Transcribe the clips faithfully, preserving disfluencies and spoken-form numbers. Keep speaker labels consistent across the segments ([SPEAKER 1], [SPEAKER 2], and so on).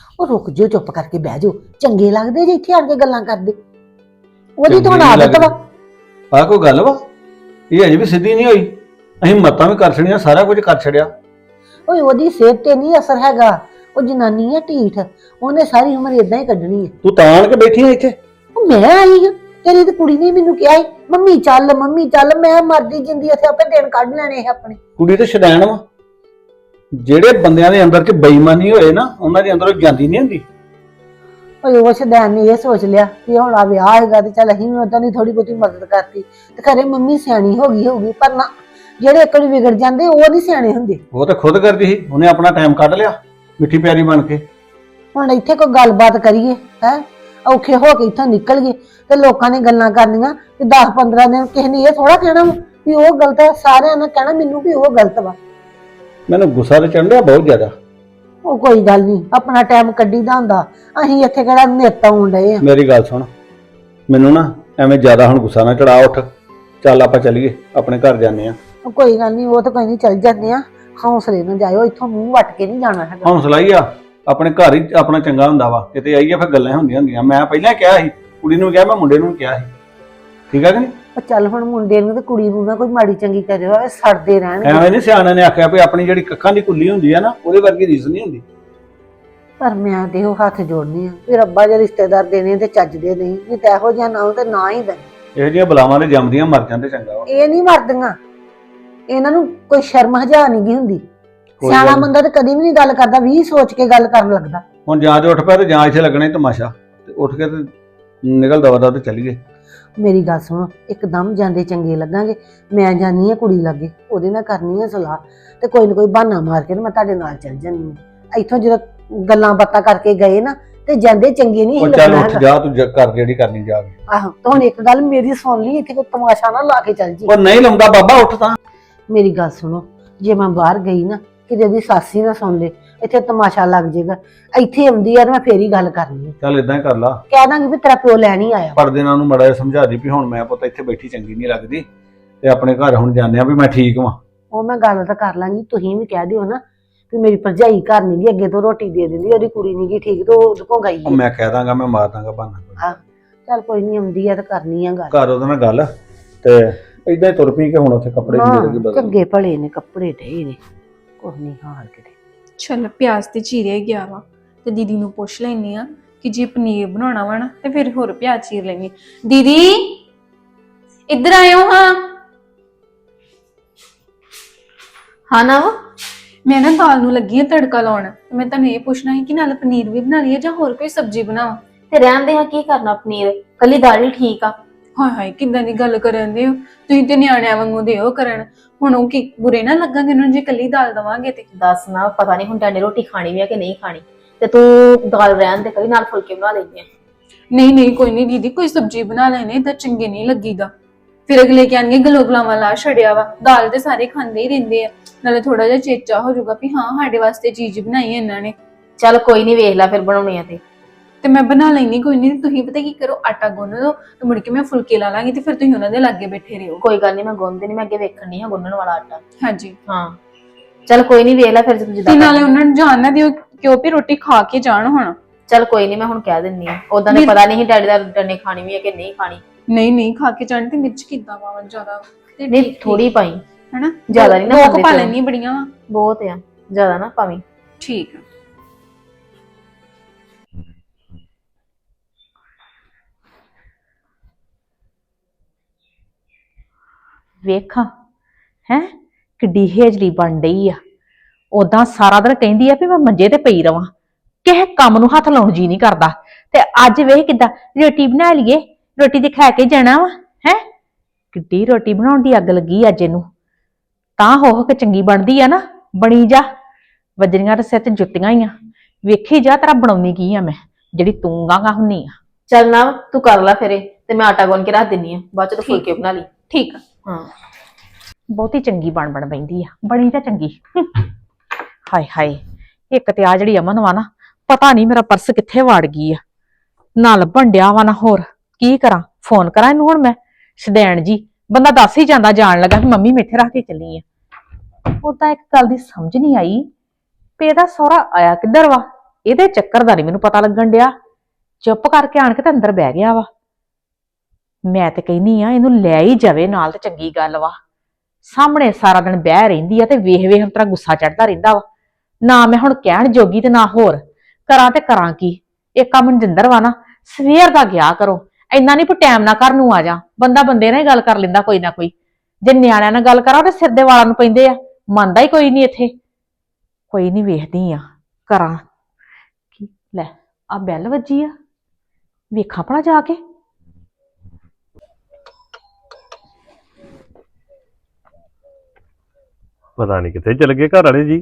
[SPEAKER 1] ਉਹ ਰੁਕ ਜਿਓ, ਚੁੱਪ ਕਰਕੇ ਬਹਿ ਜਾਓ। ਚੰਗੇ ਲੱਗਦੇ ਜੇ ਇੱਥੇ ਆਣ ਕੇ ਗੱਲਾਂ ਕਰਦੇ। ਉਹਦੀ ਤਾਂ ਹੁਣ ਆਦਤ ਵਾ।
[SPEAKER 2] ਆ ਕੋਈ ਗੱਲ ਵਾ? ਇਹ ਅਜੇ ਵੀ ਸਿੱਧੀ ਨਹੀਂ ਹੋਈ। ਅਸੀਂ ਮੱਤਾਂ ਵੀ ਕਰ ਛੜੀਆਂ, ਸਾਰਾ ਕੁਝ ਕਰ ਛੜਿਆ।
[SPEAKER 1] ਓਏ ਉਹਦੀ ਸਿਹਤ ਤੇ ਨਹੀਂ ਅਸਰ ਹੈਗਾ। ਉਹ ਜਨਾਨੀ ਆ ਢੀਠ, ਉਹਨੇ ਸਾਰੀ ਉਮਰ ਇਦਾਂ ਹੀ ਕੱਢਣੀ ਹੈ।
[SPEAKER 2] ਤੂੰ ਤਾਂ ਆਣ ਕੇ ਬੈਠੀ ਆ ਇੱਥੇ?
[SPEAKER 1] ਉਹ ਮੈਂ ਆਈ ਹਾਂ, ਤੇਰੀ ਤੇ ਕੁੜੀ ਨੇ ਮੈਨੂੰ ਕਿਹਾ ਸੀ ਮੰਮੀ ਚੱਲ ਮੰਮੀ ਚੱਲ। ਮੈਂ ਮਰਦੀ ਜਿੰਦੀ ਇੱਥੇ ਆਪੇ ਦਿਨ ਕੱਢ ਲੈਣੇ ਇਹ ਆਪਣੇ।
[SPEAKER 2] ਕੁੜੀ ਤੇ ਸ਼ੈਤਾਨ ਵਾ। ਜਿਹੜੇ ਬੰਦਿਆਂ ਦੇ ਅੰਦਰ ਚ ਬੇਈਮਾਨੀ ਹੋਏ ਨਾ, ਉਹਨਾਂ ਦੇ ਅੰਦਰ ਜਾਂਦੀ ਨਹੀਂ ਹੁੰਦੀ।
[SPEAKER 1] ਓਏ ਉਹ ਸ਼ੈਤਾਨ ਨੇ ਇਹ ਸੋਚ ਲਿਆ ਕਿ ਹੁਣ ਆ ਵਿਆਹ ਹੈਗਾ ਤੇ ਚੱਲ ਅਸੀਂ ਵੀ ਉਦਾਂ ਦੀ ਥੋੜੀ ਬਹੁਤੀ ਮਦਦ ਕਰਤੀ ਤੇ ਖਰੇ ਮੰਮੀ ਸਿਆਣੀ ਹੋ ਗਈ ਹੋਊਗੀ। ਪਰ ਨਾ, ਜਿਹੜੇ ਇੱਕ ਵਾਰੀ ਵਿਗੜ ਜਾਂਦੇ ਉਹ ਨਹੀਂ ਸਿਆਣੇ ਹੁੰਦੇ।
[SPEAKER 2] ਉਹ ਤਾਂ ਖੁਦ ਕਰਦੀ ਸੀ, ਉਹਨੇ ਆਪਣਾ ਟਾਈਮ ਕੱਢ ਲਿਆ ਮਿੱਠੀ ਪਿਆਰੀ ਬਣ ਕੇ।
[SPEAKER 1] ਹੁਣ ਇੱਥੇ ਕੋਈ ਗੱਲਬਾਤ ਕਰੀਏ ਹੈ, ਔਖੇ ਹੋ ਕੇ ਇੱਥੋਂ ਨਿਕਲ ਗਏ ਤੇ ਲੋਕਾਂ ਨੇ ਗੱਲਾਂ ਕਰਨੀਆਂ ਕਿ ਦਸ ਪੰਦਰਾਂ ਦਿਨ। ਕਿਸੇ ਨੇ ਇਹ ਥੋੜਾ ਕਹਿਣਾ ਵੀ ਉਹ ਗਲਤ ਹੈ, ਸਾਰਿਆਂ ਨੇ ਕਹਿਣਾ ਮੈਨੂੰ ਵੀ ਉਹ ਗਲਤ ਵਾ।
[SPEAKER 2] ਮੈਨੂੰ ਗੁੱਸਾ ਤੇ ਚੜ੍ਹ ਰਿਹਾ ਬਹੁਤ ਜ਼ਿਆਦਾ।
[SPEAKER 1] ਉਹ ਕੋਈ ਗੱਲ ਨਹੀਂ, ਆਪਣਾ ਟਾਈਮ ਕੱਢੀਦਾ ਹੁੰਦਾ। ਅਸੀਂ ਇੱਥੇ ਕਿਹੜਾ ਨਿੱਤ ਆਉਣ ਡਏ ਆ।
[SPEAKER 2] ਮੇਰੀ ਗੱਲ ਸੁਣ, ਮੈਨੂੰ ਨਾ ਐਵੇਂ ਜ਼ਿਆਦਾ ਹੁਣ ਗੁੱਸਾ ਨਾ ਚੜਾ। ਉੱਠ ਚੱਲ ਆਪਾਂ ਚੱਲੀਏ, ਆਪਣੇ ਘਰ ਜਾਂਦੇ ਆ।
[SPEAKER 1] ਉਹ ਕੋਈ ਗੱਲ ਨਹੀਂ, ਉਹ ਤਾਂ ਕੋਈ ਨਹੀਂ, ਚੱਲ ਜਾਂਦੇ ਆ। ਹੌਸਲੇ ਨਾਲ ਜਾਇਓ, ਇੱਥੋਂ ਮੂੰਹ ਵੱਟ ਕੇ ਨਹੀਂ ਜਾਣਾ ਹੈਗਾ।
[SPEAKER 2] ਹੌਸਲਾ ਹੀ ਆ, ਆਪਣੇ ਘਰ ਹੀ ਆਪਣਾ ਚੰਗਾ ਹੁੰਦਾ ਵਾ। ਕਿਤੇ ਆਈਏ ਫਿਰ ਗੱਲਾਂ ਹੁੰਦੀਆਂ ਹੁੰਦੀਆਂ। ਮੈਂ ਪਹਿਲਾਂ ਕਿਹਾ ਸੀ, ਕੁੜੀ ਨੂੰ ਕਿਹਾ, ਮੈਂ ਮੁੰਡੇ ਨੂੰ ਕਿਹਾ ਸੀ। ਠੀਕ ਆ ਕਿ ਨਹੀਂ?
[SPEAKER 1] ਉਹ ਚੱਲ ਹੁਣ ਮੁੰਡੇ ਨੂੰ ਤੇ ਕੁੜੀ ਨੂੰ ਨਾ ਕੋਈ ਮਾੜੀ ਚੰਗੀ ਕਰਿਓ, ਐਵੇਂ ਸੜਦੇ ਰਹਿਣਗੇ।
[SPEAKER 2] ਐਵੇਂ ਨਹੀਂ ਸਿਆਣਾ ਨੇ ਆਖਿਆ ਵੀ ਆਪਣੀ ਜਿਹੜੀ ਕੱਖਾਂ ਦੀ ਕੁੱਲੀ ਹੁੰਦੀ ਆ ਨਾ, ਉਹਦੇ ਵਰਗੀ ਰੀਸ ਨਹੀਂ ਹੁੰਦੀ।
[SPEAKER 1] ਪਰ ਮੈਂ ਤੇ ਉਹ ਹੱਥ ਜੋੜਨੀ ਆ ਵੀ ਰੱਬਾ ਜੇ ਰਿਸ਼ਤੇਦਾਰ ਦੇਣੇ ਤੇ ਚੱਜਦੇ ਨਹੀਂ, ਨਹੀਂ ਤਾਂ ਇਹੋ ਜਿਹਾ ਨਾ ਤੇ ਨਾ ਹੀ ਦੇ।
[SPEAKER 2] ਇਹੋ ਜਿਹੀਆਂ ਬਲਾਵਾਂ ਦੇ ਜੰਮਦੀਆਂ ਮਰ ਜਾਂਦੇ ਚੰਗਾ ਵਾ।
[SPEAKER 1] ਇਹ ਨਹੀਂ ਮਰਦੀਆਂ, ਇਹਨਾਂ ਨੂੰ ਕੋਈ ਸ਼ਰਮ ਹਜਾ ਨਹੀਂ ਗਈ ਹੁੰਦੀ।
[SPEAKER 2] ਕੋਈ
[SPEAKER 1] ਸਿਆਣਾ
[SPEAKER 2] ਗੱਲ
[SPEAKER 1] ਬੰਦਾ ਤੇ ਕਦੀ ਵੀ ਨਹੀਂ ਗੱਲ ਕਰਦਾ, ਵੀ ਸੋਚ ਕੇ ਗੱਲ ਕਰਨ ਲੱਗਦਾ।
[SPEAKER 2] ਹੁਣ ਜਾਂ ਤੇ ਉੱਠ ਪਿਆ ਤੇ ਜਾਂ ਇੱਥੇ ਲੱਗਣਾ ਹੀ ਤਮਾਸ਼ਾ। ਤੇ ਉੱਠ ਕੇ ਤੇ ਨਿਕਲ ਦਵਾ ਦਾ ਤੇ ਚੱਲੀਏ।
[SPEAKER 1] ਮੇਰੀ ਗੱਲ ਸੁਣੋ, ਇੱਕਦਮ ਜਾਂਦੇ ਚੰਗੇ ਲੱਗਾਂਗੇ। ਮੈਂ ਜਾਨੀ ਆ ਕੁੜੀ ਲਾਗੇ, ਉਹਦੇ ਨਾਲ ਕਰਨੀ ਆ ਸਲਾਹ ਤੇ ਕੋਈ ਨਾ ਕੋਈ ਬਹਾਨਾ ਮਾਰ ਕੇ ਮੈਂ ਤੁਹਾਡੇ ਨਾਲ ਚੱਲ ਜਾਂਦੀ ਆ। ਇੱਥੋਂ ਜਦੋਂ ਗੱਲਾਂ ਬਾਤਾਂ ਕਰਕੇ ਗਏ ਨਾ ਤੇ ਜਾਂਦੇ ਚੰਗੇ ਨਹੀਂ
[SPEAKER 2] ਉਹ ਚੱਲ ਉੱਠ ਜਾ, ਤੂੰ ਜ- ਕਰ ਜਿਹੜੀ ਕਰਨੀ ਜਾ ਕੇ।
[SPEAKER 1] ਆਹੋ, ਤਾਂ ਹੁਣ ਇੱਕ ਗੱਲ ਮੇਰੀ ਸੁਣ ਲਈ, ਇੱਥੇ ਕੋਈ ਤਮਾਸ਼ਾ ਨਾ ਲਾ ਕੇ ਚੱਲ ਜੀ।
[SPEAKER 2] ਉਹ ਨਹੀਂ ਲਾਉਂਦਾ ਬਾਬਾ, ਉੱਠ ਤਾਂ।
[SPEAKER 1] ਮੇਰੀ ਗੱਲ ਸੁਣੋ, ਜੇ ਮੈਂ ਬਾਹਰ ਗਈ ਨਾ ਕਿਤੇ ਉਹਦੀ ਸਾਸੀ ਨਾ ਸੁਣ ਲੇ, ਇੱਥੇ ਤਮਾਸ਼ਾ ਲੱਗ ਜਾਏਗਾ। ਇੱਥੇ ਆਉਂਦੀ ਆ ਮੈਂ ਫੇਰ ਹੀ ਗੱਲ ਕਰਨੀ ਆ।
[SPEAKER 2] ਚੱਲ ਇਦਾਂ ਹੀ ਕਰ ਲਾ।
[SPEAKER 1] ਕਹਿ ਦਾਂਗੀ ਵੀ ਤੇਰਾ ਪਿਓ ਲੈਣ ਹੀ ਆਇਆ।
[SPEAKER 2] ਪਰਦੇ ਨਾਲ ਨੂੰ ਮੜਾ ਜਿਹਾ ਸਮਝਾ ਦੀ ਵੀ ਹੁਣ ਮੈਂ ਪੁੱਤ ਇੱਥੇ ਬੈਠੀ ਚੰਗੀ ਨਹੀਂ ਲੱਗਦੀ ਤੇ ਆਪਣੇ ਘਰ ਹੁਣ ਜਾਂਦੇ ਆ ਵੀ ਮੈਂ ਠੀਕ ਵਾਂ।
[SPEAKER 1] ਉਹ ਮੈਂ ਗੱਲ ਤਾਂ ਕਰ ਲਾਂਗੀ, ਤੁਸੀਂ ਵੀ ਕਹਿ ਦਿਓ ਨਾ ਵੀ ਮੇਰੀ ਭਰਜਾਈ ਘਰ ਨਹੀਂ ਗਈ, ਅੱਗੇ ਤੋਂ ਰੋਟੀ ਦੇ ਦਿੰਦੀ, ਉਹਦੀ ਕੁੜੀ ਨਹੀਂ ਗਈ ਠੀਕ, ਤੇ ਉਹ ਉਹਦੇ ਕੋਲ ਗਈ
[SPEAKER 2] ਉਹ ਮੈਂ ਕਹਿ ਦਾਂਗਾ, ਮੈਂ ਮਾਰ ਦਾਂਗਾ ਬਹਾਨਾ।
[SPEAKER 1] ਆ ਚੱਲ ਕੋਈ ਨਹੀਂ, ਆਉਂਦੀ ਆ ਤਾਂ ਕਰਨੀ ਆ ਗੱਲ।
[SPEAKER 2] ਘਰ ਉਹਦੇ ਨਾਲ ਗੱਲ ਤੇ ਇਦਾਂ ਹੀ ਤੁਰ ਪਈ ਕਿ ਹੁਣ ਉੱਥੇ ਕੱਪੜੇ
[SPEAKER 1] ਹਾਂ,
[SPEAKER 2] ਜਿਹੜੇ ਬਦਲ।
[SPEAKER 1] ਚੰਗੇ ਭਲੇ ਨੇ ਕੱਪੜੇ ਢੇ ਨੇ, ਕੁਛ ਨਹੀਂ ਹਾਲ ਕਿਤੇ।
[SPEAKER 3] ਚਲ ਪਿਆਜ਼ ਤੇ ਚੀਰੇ ਗਿਆ ਵਾ ਤੇ ਦੀਦੀ ਨੂੰ ਪੁੱਛ ਲੈਣੀ ਆ ਕਿ ਜੇ ਪਨੀਰ ਬਣਾਉਣਾ ਵਾ ਨਾ ਤੇ ਫਿਰ ਹੋਰ ਪਿਆਜ਼ ਚੀਰ ਲੈਣੀ। ਦੀਦੀ ਇੱਧਰ ਆਇਓ ਹਾਂ।
[SPEAKER 4] ਹਾਂ ਨਾ,
[SPEAKER 3] ਮੈਂ ਨਾ ਦਾਲ ਨੂੰ ਲੱਗੀ ਆ ਤੜਕਾ ਲਾਉਣ, ਮੈਂ ਤੁਹਾਨੂੰ ਇਹ ਪੁੱਛਣਾ ਸੀ ਕਿ ਨਾਲ ਪਨੀਰ ਵੀ ਬਣਾ ਲਈਏ ਜਾਂ ਹੋਰ ਕੋਈ ਸਬਜ਼ੀ ਬਣਾਵਾਂ।
[SPEAKER 4] ਤੇ ਰਹਿੰਦੇ ਹਾਂ, ਕੀ ਕਰਨਾ, ਪਨੀਰ ਕੱਲੀ ਦਾਲ ਹੀ ਠੀਕ ਆ।
[SPEAKER 3] ਹਾਏ ਹਾਏ, ਕਿੱਦਾਂ ਦੀ ਗੱਲ ਕਰਨ ਦੇ ਹੋ ਤੁਸੀਂ, ਤੇ ਨਿਆਣਿਆਂ ਵਾਂਗੂ ਦਿਓ ਕਰਨ। ਹੁਣ ਉਹ ਕੀ ਬੁਰੇ ਨਾ ਲੱਗਾਂਗੇ ਉਹਨਾਂ ਨੂੰ ਜੇ ਕੱਲੀ ਦਾਲ ਦਵਾਂਗੇ ਤੇ।
[SPEAKER 4] ਦੱਸ ਨਾ, ਪਤਾ ਨਹੀਂ ਹੁਣ ਤੁਹਾਡੇ ਰੋਟੀ ਖਾਣੀ ਵੀ ਆ ਕਿ ਨਹੀਂ ਖਾਣੀ, ਤੇ ਤੂੰ ਦਾਲ ਰਹਿਣ ਦੇ, ਕਦੀ ਨਾਲ ਫੁਲਕੇ ਬਣਾ ਲੈਂਦੇ ਆ।
[SPEAKER 3] ਨਹੀਂ ਨਹੀਂ ਕੋਈ ਨਹੀਂ ਦੀਦੀ, ਕੋਈ ਸਬਜ਼ੀ ਬਣਾ ਲੈਣੇ ਤਾਂ ਚੰਗੇ ਨਹੀਂ ਲੱਗੀਦਾ। ਫਿਰ ਅਗਲੇ ਕਹਿਣਗੇ ਗਲੋਗਲਾਵਾਂ ਲਾ ਛੜਿਆ ਵਾ। ਦਾਲ ਤੇ ਸਾਰੇ ਖਾਂਦੇ ਹੀ ਰਹਿੰਦੇ ਆ, ਨਾਲੇ ਥੋੜਾ ਜਿਹਾ ਚੇਚਾ ਹੋ ਜਾਊਗਾ ਵੀ ਹਾਂ ਸਾਡੇ ਵਾਸਤੇ ਚੀਜ਼ ਬਣਾਈ ਹੈ ਇਹਨਾਂ ਨੇ।
[SPEAKER 4] ਚੱਲ ਕੋਈ ਨਹੀਂ, ਵੇਖ ਲੈ ਫਿਰ ਬਣਾਉਣੀ ਆ ਤੇ
[SPEAKER 3] ਤੇ ਮੈਂ ਬਣਾ ਲੈਣੀ, ਕੋਈ ਨਹੀਂ। ਤੁਸੀਂ ਪਤਾ ਕੀ ਕਰੋ, ਆਟਾ ਗੁੰਨ ਲਓ ਤੇ ਮੁੜ ਕੇ ਮੈਂ ਫੁਲਕੇ ਲਾ ਲਾਂਗੀ ਤੇ ਫਿਰ ਤੁਸੀਂ ਉਹਨਾਂ ਦੇ ਲਾਗੇ ਬੈਠੇ ਰਹੋ।
[SPEAKER 4] ਕੋਈ ਗੱਲ ਨਹੀਂ, ਮੈਂ ਗੁੰਨਦੀ ਨਹੀਂ, ਮੈਂ ਅੱਗੇ ਵੇਖਣ ਨਹੀਂ ਹਾਂ ਗੁੰਨਣ ਵਾਲਾ ਆਟਾ।
[SPEAKER 3] ਹਾਂਜੀ
[SPEAKER 4] ਹਾਂ ਚੱਲ ਕੋਈ ਨਹੀਂ, ਵੇਖ ਲੈ ਫਿਰ ਜਿੱਦਾਂ।
[SPEAKER 3] ਤੇ ਨਾਲੇ ਉਹਨਾਂ ਨੂੰ ਜਾਣ ਨਾ ਦਿਓ ਕਿਉਂ ਵੀ ਰੋਟੀ ਖਾ ਕੇ ਜਾਣ ਹੁਣ।
[SPEAKER 4] ਚੱਲ ਕੋਈ ਨਹੀਂ, ਮੈਂ ਹੁਣ ਕਹਿ ਦਿੰਨੀ ਆ। ਉਦਾਂ ਨੇ ਪਤਾ ਨਹੀਂ ਡੈਡੀ ਦਾ ਡੰਨੇ ਖਾਣੀ ਵੀ ਹੈ ਕਿ ਨਹੀਂ ਖਾਣੀ।
[SPEAKER 3] ਨਹੀਂ ਨਹੀਂ ਖਾ ਕੇ ਜਾਣ। ਤੇ ਮਿਰਚ ਕਿੱਦਾਂ ਪਾਵਾਂ, ਜ਼ਿਆਦਾ ਤੇ
[SPEAKER 4] ਨਹੀਂ ਥੋੜੀ ਪਾਈ,
[SPEAKER 3] ਹੈਨਾ,
[SPEAKER 4] ਜ਼ਿਆਦਾ ਨਹੀਂ ਨਾ
[SPEAKER 3] ਦੋ
[SPEAKER 4] ਖਾਂਦੇ
[SPEAKER 3] ਪਾ
[SPEAKER 4] ਤੇ।
[SPEAKER 3] ਲੈਣੀ ਬੜੀਆਂ ਵਾ।
[SPEAKER 4] ਬਹੁਤ ਆ, ਜ਼ਿਆਦਾ ਨਾ ਪਾਵੀਂ।
[SPEAKER 3] ਠੀਕ ਆ।
[SPEAKER 5] ਵੇਖਾਂ ਹੈ ਕਿੱਡੀ ਹੇਜਲੀ ਬਣ ਡਈ ਆ। ਉਦਾਂ ਸਾਰਾ ਦਿਨ ਕਹਿੰਦੀ ਆ ਵੀ ਮੈਂ ਮੰਜੇ ਤੇ ਪਈ ਰਵਾਂ, ਕਿਸੇ ਕੰਮ ਨੂੰ ਹੱਥ ਲਾਉਣ ਜੀ ਨਹੀਂ ਕਰਦਾ। ਤੇ ਅੱਜ ਵੇਖ ਕਿੱਦਾਂ ਰੋਟੀ ਬਣਾ ਲਈਏ, ਰੋਟੀ ਤੇ ਖਾ ਕੇ ਜਾਣਾ ਵਾ। ਹੈ ਕਿੱਡੀ ਰੋਟੀ ਬਣਾਉਣ ਦੀ ਅੱਗ ਲੱਗੀ ਅੱਜ ਇਹਨੂੰ। ਤਾਂ ਹੋ ਹੋ ਕੇ ਚੰਗੀ ਬਣਦੀ ਆ ਨਾ, ਬਣੀ ਜਾ। ਵਜਰੀਆਂ ਤੇ ਸਿਰ ਤੇ ਜੁੱਤੀਆਂ ਹੀ ਆ। ਵੇਖੀ ਜਾ ਤੇਰਾ ਬਣਾਉਣੀ ਕੀ ਆ ਮੈਂ, ਜਿਹੜੀ ਤੂੰ ਗਾਂਗਾ ਹੁੰਨੀ ਆ।
[SPEAKER 4] ਚੱਲ ਨਾ, ਤੂੰ ਕਰ ਲੈ ਫਿਰ ਇਹ, ਤੇ ਮੈਂ ਆਟਾ ਗੁੰਨ ਕੇ ਰੱਖ ਦਿੰਨੀ ਆ, ਬਾਅਦ ਚ ਤੂੰ ਫੁਲਕੇ ਬਣਾ ਲਈ।
[SPEAKER 3] ਠੀਕ ਆ।
[SPEAKER 4] ਹਾਂ
[SPEAKER 5] ਬਹੁਤੀ ਚੰਗੀ ਬਣ ਬਣ ਪੈਂਦੀ ਆ, ਬਣੀ ਤਾਂ ਚੰਗੀ। ਹਾਏ ਹਾਏ, ਇੱਕ ਤੇ ਆ ਜਿਹੜੀ ਅਮਨ ਵਾ ਨਾ, ਪਤਾ ਨਹੀਂ ਮੇਰਾ ਪਰਸ ਕਿੱਥੇ ਵਾੜ ਗਈ ਆ, ਨਾ ਲੱਭਣ ਡਿਆ ਵਾ ਨਾ ਹੋਰ। ਕੀ ਕਰਾਂ, ਫੋਨ ਕਰਾਂ ਇਹਨੂੰ ਹੁਣ ਮੈਂ? ਸ਼ਦੈਣ ਜੀ ਬੰਦਾ ਦੱਸ ਹੀ ਜਾਂਦਾ ਜਾਣ ਲੱਗਾ ਕਿ ਮੰਮੀ ਮੈਂ ਇੱਥੇ ਰੱਖ ਕੇ ਚੱਲੀ ਆ। ਉਦਾਂ ਇੱਕ ਗੱਲ ਦੀ ਸਮਝ ਨਹੀਂ ਆਈ ਵੀ ਇਹਦਾ ਸਹੁਰਾ ਆਇਆ ਕਿੱਧਰ ਵਾ। ਇਹਦੇ ਚੱਕਰ ਦਾ ਨਹੀਂ ਮੈਨੂੰ ਪਤਾ ਲੱਗਣ ਡਿਆ। ਚੁੱਪ ਕਰਕੇ ਆਣ ਕੇ ਤੇ ਅੰਦਰ ਬਹਿ ਗਿਆ ਵਾ। ਮੈਂ ਤੇ ਕਹਿੰਨੀ ਆ ਇਹਨੂੰ ਲੈ ਹੀ ਜਾਵੇ ਨਾਲ ਤੇ ਚੰਗੀ ਗੱਲ ਵਾ। ਸਾਹਮਣੇ ਸਾਰਾ ਦਿਨ ਬਹਿ ਰਹਿੰਦੀ ਆ ਤੇ ਵੇਖ ਵੇਖ ਤੇਰਾ ਗੁੱਸਾ ਚੜਦਾ ਰਹਿੰਦਾ ਵਾ। ਨਾ ਮੈਂ ਹੁਣ ਕਹਿਣ ਜੋਗੀ ਤੇ ਨਾ ਹੋਰ ਕਰਾਂ ਤੇ ਕਰਾਂ ਕੀ। ਇੱਕ ਆ ਮਨਜਿੰਦਰ ਵਾ ਨਾ, ਸਵੇਰ ਦਾ ਗਿਆ ਕਰੋ, ਇੰਨਾ ਨਹੀਂ ਟਾਈਮ ਨਾਲ ਘਰ ਨੂੰ ਆ ਜਾ। ਬੰਦਾ ਬੰਦੇ ਨਾਲ ਹੀ ਗੱਲ ਕਰ ਲੈਂਦਾ ਕੋਈ ਨਾ ਕੋਈ। ਜੇ ਨਿਆਣਿਆਂ ਨਾਲ ਗੱਲ ਕਰਾਂ ਤੇ ਸਿਰ ਦੇ ਵਾਲਾਂ ਨੂੰ ਪੈਂਦੇ ਆ। ਮੰਨਦਾ ਹੀ ਕੋਈ ਨਹੀਂ ਇੱਥੇ। ਕੋਈ ਨਹੀਂ, ਵੇਖਦੀ ਆ ਕਰਾਂ ਕੀ। ਲੈ ਆ ਬੈਲ ਵੱਜੀ ਆ, ਵੇਖਾਂ ਭਲਾ ਜਾ ਕੇ।
[SPEAKER 6] ਪਤਾ ਨਹੀਂ ਕਿੱਥੇ ਚਲ ਗਏ ਘਰ ਵਾਲੇ ਜੀ।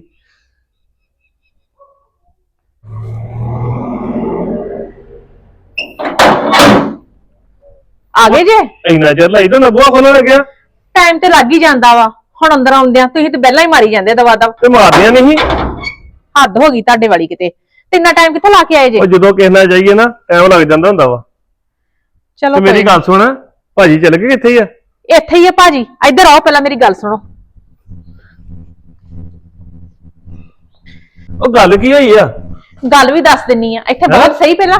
[SPEAKER 5] ਆ ਗਏ ਜੇ?
[SPEAKER 6] ਇੰਨਾ ਚਿਰ ਲਾਈ ਤਾਂ ਬੂਹਾ ਖੋਲਣ ਲੱਗਿਆ।
[SPEAKER 5] ਟਾਈਮ ਤੇ ਲੱਗ ਹੀ ਜਾਂਦਾ ਵਾ। ਹੁਣ ਅੰਦਰ ਆਉਂਦਿਆਂ ਤੁਸੀਂ ਤੇ ਪਹਿਲਾਂ ਹੀ ਮਾਰੀ ਜਾਂਦੇ ਦਵਾ ਦਵ।
[SPEAKER 6] ਤੇ ਮਾਰਦੀਆਂ ਨਹੀਂ।
[SPEAKER 5] ਹੱਦ ਹੋ ਗਈ ਤੁਹਾਡੇ ਵਾਲੀ ਕਿਤੇ। ਤੇ ਇੰਨਾ ਟਾਈਮ ਕਿੱਥੇ ਲਾ ਕੇ ਆਏ ਜੇ?
[SPEAKER 6] ਉਹ ਜਦੋਂ ਕਿਸੇ ਨਾਲ ਜਾਈਏ ਨਾ ਟਾਈਮ ਲੱਗ ਜਾਂਦਾ ਹੁੰਦਾ ਵਾ।
[SPEAKER 5] ਚਲੋ
[SPEAKER 6] ਤੇ ਮੇਰੀ ਗੱਲ ਸੁਣ, ਭਾਜੀ ਚਲ ਗਏ ਕਿੱਥੇ ਆ?
[SPEAKER 5] ਇੱਥੇ ਹੀ ਆ ਭਾਜੀ। ਇੱਧਰ ਆਓ ਪਹਿਲਾਂ ਮੇਰੀ ਗੱਲ ਸੁਣੋ।
[SPEAKER 6] ਉਹ ਗੱਲ ਕੀ ਹੋਈ ਆ?
[SPEAKER 5] ਗੱਲ ਵੀ ਦੱਸ ਦਿੰਨੀ ਆ। ਇੱਥੇ ਬਹੁਤ ਸਹੀ ਪਹਿਲਾਂ